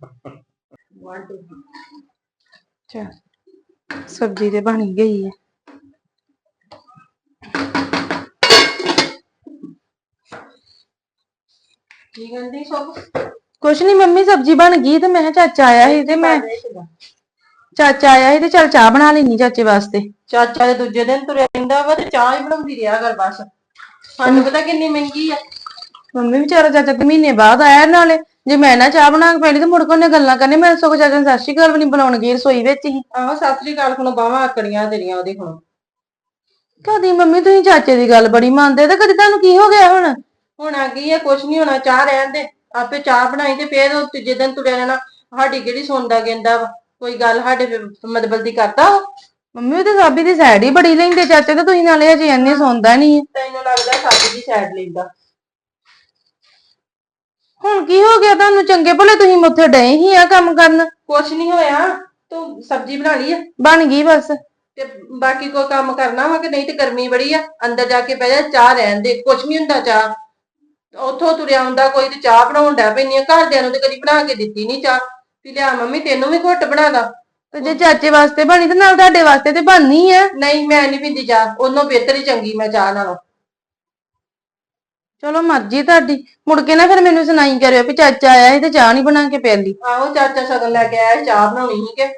ਅੱਛਾ ਸਬਜ਼ੀ ਤੇ ਬਣ ਗਈ ਹੈ।
ਕੀ ਕਹਿੰਦੀ ਸਭ?
ਕੁਛ ਨਹੀਂ ਮੰਮੀ, ਸਬਜ਼ੀ ਬਣ ਗਈ ਤੇ ਮੈਂ ਕਿਹਾ ਚਾਚਾ ਆਇਆ ਸੀ ਤੇ ਮੈਂ ਚਾਚਾ ਆਇਆ ਸੀ ਤੇ ਚੱਲ ਚਾਹ ਬਣਾ ਲੈਣੀ ਚਾਚੇ ਵਾਸਤੇ।
ਚਾਚਾ ਦੇ ਦੂਜੇ ਦਿਨ ਤੁਰਿਆ ਰਹਿੰਦਾ ਵਾ ਤੇ ਚਾਹ ਹੀ ਬਣਾਉਂਦੀ ਰਿਹਾ ਕਰ ਬਸ। ਸਾਨੂੰ ਪਤਾ ਕਿੰਨੀ ਮਹਿੰਗੀ ਆ।
ਮੰਮੀ ਵਿਚਾਰਾ ਚਾਚਾ ਤੇ ਮਹੀਨੇ ਬਾਅਦ ਆਇਆ, ਨਾਲੇ ਜੇ ਮੈਂ ਨਾ ਚਾਹ ਬਣਾ ਕੇ ਪੈਣੀ ਤੇ ਮੁੜ ਕੇ ਉਹਨੇ ਗੱਲਾਂ ਕਰਨੇ। ਮੈਂ ਸਗੋਂ ਚਾਚਾ ਨੂੰ ਸਤਿ ਸ਼੍ਰੀ ਅਕਾਲ ਵੀ ਨਹੀਂ ਬੁਲਾਉਣ ਗਈ, ਰਸੋਈ ਵਿੱਚ ਹੀ।
ਆਹੋ ਸਤਿ ਸ੍ਰੀ ਅਕਾਲ ਹੁਣ ਬਾਹਾਂ ਆਕੜੀਆਂ ਤੇਰੀਆਂ ਉਹਦੇ ਹੁਣ।
ਕਦੀ ਮੰਮੀ ਤੁਸੀਂ ਚਾਚੇ ਦੀ ਗੱਲ ਬੜੀ ਮੰਨਦੇ ਤੇ ਕਦੀ ਤੁਹਾਨੂੰ ਕੀ ਹੋ ਗਿਆ ਹੁਣ?
ਹੁਣ ਆ ਗਈ ਆ, ਕੁਛ ਨਹੀਂ ਹੋਣਾ, ਚਾਹ ਰਹਿਣ ਦੇ। ਆਪੇ ਚਾਹ ਬਣਾਈ ਤੇ ਫੇਰ ਉਹ ਤੀਜੇ ਦਿਨ ਤੁਰਿਆ ਰਹਿਣਾ। ਸਾਡੀ ਕਿਹੜੀ ਸੁਣਦਾ ਕਹਿੰਦਾ ਵਾ ਕੋਈ ਗੱਲ, ਸਾਡੇ ਮਤਲਬ ਦੀ ਕਰਦਾ ਉਹ।
ਮੰਮੀ ਉਹ ਤੇ ਸਾਬੀ ਦੀ ਸਾਈਡ ਹੀ ਬੜੀ ਲੈਂਦੇ ਚਾਚੇ ਤੇ ਤੁਸੀਂ ਨਾਲੇ ਅਜੇ ਇੰਨੇ ਸੁਣਦਾ ਨਹੀਂ।
ਤੈਨੂੰ ਲੱਗਦਾ ਸਾਡੀ ਦੀ ਸਾਈਡ ਲੈਂਦਾ।
ਹੁਣ ਕੀ ਹੋ ਗਿਆ ਤੁਹਾਨੂੰ? ਚੰਗੇ ਭਲੇ ਤੁਸੀਂ ਉੱਥੇ ਡਏ ਹੀ ਆ ਕੰਮ ਕਰਨ।
ਕੁਛ ਨਹੀਂ ਹੋਇਆ, ਤੂੰ ਸਬਜ਼ੀ ਬਣਾ ਲਈ ਆ
ਬਣ ਗਈ ਬਸ।
ਤੇ ਬਾਕੀ ਕੋਈ ਕੰਮ ਕਰਨਾ ਵਾ ਕਿ ਨਹੀਂ? ਤੇ ਗਰਮੀ ਬੜੀ ਆ, ਅੰਦਰ ਜਾ ਕੇ ਬਹਿ ਜਾ, ਚਾਹ ਰਹਿਣ ਦੇ, ਕੁਛ ਨਹੀਂ ਹੁੰਦਾ ਚਾਹ। ਉੱਥੋਂ ਤੁਰਿਆ ਆਉਂਦਾ ਕੋਈ ਤੇ ਚਾਹ ਬਣਾਉਣ ਡੈ ਪੈਂਦੀ ਆ। ਘਰਦਿਆਂ ਨੂੰ ਤੇ ਕਦੀ ਬਣਾ ਕੇ ਦਿੱਤੀ ਨਹੀਂ ਚਾਹ। ਵੀ ਲਿਆ ਮੰਮੀ ਤੈਨੂੰ ਵੀ ਘੁੱਟ ਬਣਾ ਦਾ।
ਤੇ ਜੇ ਚਾਚੇ ਵਾਸਤੇ ਬਣੀ ਤੇ ਨਾਲ ਤੁਹਾਡੇ ਵਾਸਤੇ ਤੇ ਬਣਨੀ ਆ।
ਨਹੀਂ ਮੈਂ ਨਹੀਂ ਪੀਂਦੀ ਚਾਹ, ਉਹਨੋਂ ਬਿਹਤਰ ਹੀ ਚੰਗੀ ਮੈਂ ਚਾਹ ਨਾਲੋਂ। ਚਲੋ ਮਰਜ਼ੀ ਤੁਹਾਡੀ। ਮੁੜ ਕੇ ਨਾ ਫਿਰ ਮੈਨੂੰ ਸੁਣਾਈ ਕਰਿਓ ਵੀ ਚਾਚਾ ਆਇਆ ਸੀ ਤੇ ਚਾਹ ਨਹੀਂ ਬਣਾ ਕੇ ਪਿਆਲੀ। ਆਹੋ ਚਾਚਾ ਸ਼ਗਨ ਲੈ ਕੇ ਆਇਆ ਸੀ, ਚਾਹ ਬਣਾਉਣੀ ਸੀ ਕਿ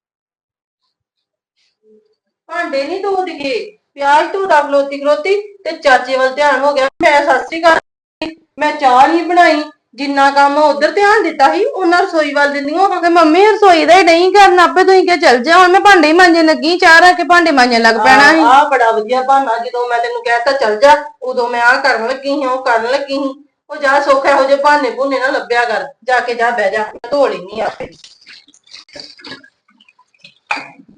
ਭਾਂਡੇ ਨਹੀਂ ਧੋਦਗੇ, ਪਿਆਜ਼ ਧੋਦਾ ਖਲੋਤੀ ਖਲੋਤੀ ਤੇ ਚਾਚੇ ਵੱਲ ਧਿਆਨ ਹੋ ਗਿਆ। ਮੈਂ ਸਤਿ ਸ੍ਰੀ ਅਕਾਲ, ਮੈਂ ਚਾਹ ਨਹੀਂ ਬਣਾਈ। ਜਿੰਨਾ ਕੰਮ ਉਧਰ ਧਿਆਨ ਦਿੱਤਾ ਸੀ ਉਹਨਾਂ ਰਸੋਈ ਵੱਲ ਦਿੰਦੀਆਂ ਹੋ। ਮੰਮੀ ਰਸੋਈ ਦਾ ਹੀ ਨਹੀਂ ਕਰਨਾ, ਆਪੇ ਤੁਸੀਂ ਕਿ ਚੱਲ ਜਾ। ਹੁਣ ਮੈਂ ਭਾਂਡੇ ਹੀ ਮਾਂਜਣ ਲੱਗੀ, ਚਾਹ ਰੱਖ ਕੇ ਭਾਂਡੇ ਮਾਂਜਣ ਲੱਗ ਪੈਣਾ ਸੀ। ਆਹ ਬੜਾ ਵਧੀਆ ਬਹਾਨਾ, ਜਦੋਂ ਮੈਂ ਤੈਨੂੰ ਕਹਿਤਾ ਚੱਲ ਜਾ ਉਦੋਂ ਮੈਂ ਆਹ ਕਰਨ ਲੱਗੀ ਸੀ, ਉਹ ਕਰਨ ਲੱਗੀ ਸੀ। ਉਹ ਜਾ ਸੁੱਖ ਇਹੋ ਜਿਹੇ ਬਹਾਨੇ ਭੁੰਨੇ ਨਾ ਲੱਭਿਆ ਕਰ, ਜਾ ਕੇ ਜਾ ਬਹਿ ਜਾ, ਧੋ ਲੈਣੀ ਆਪੇ।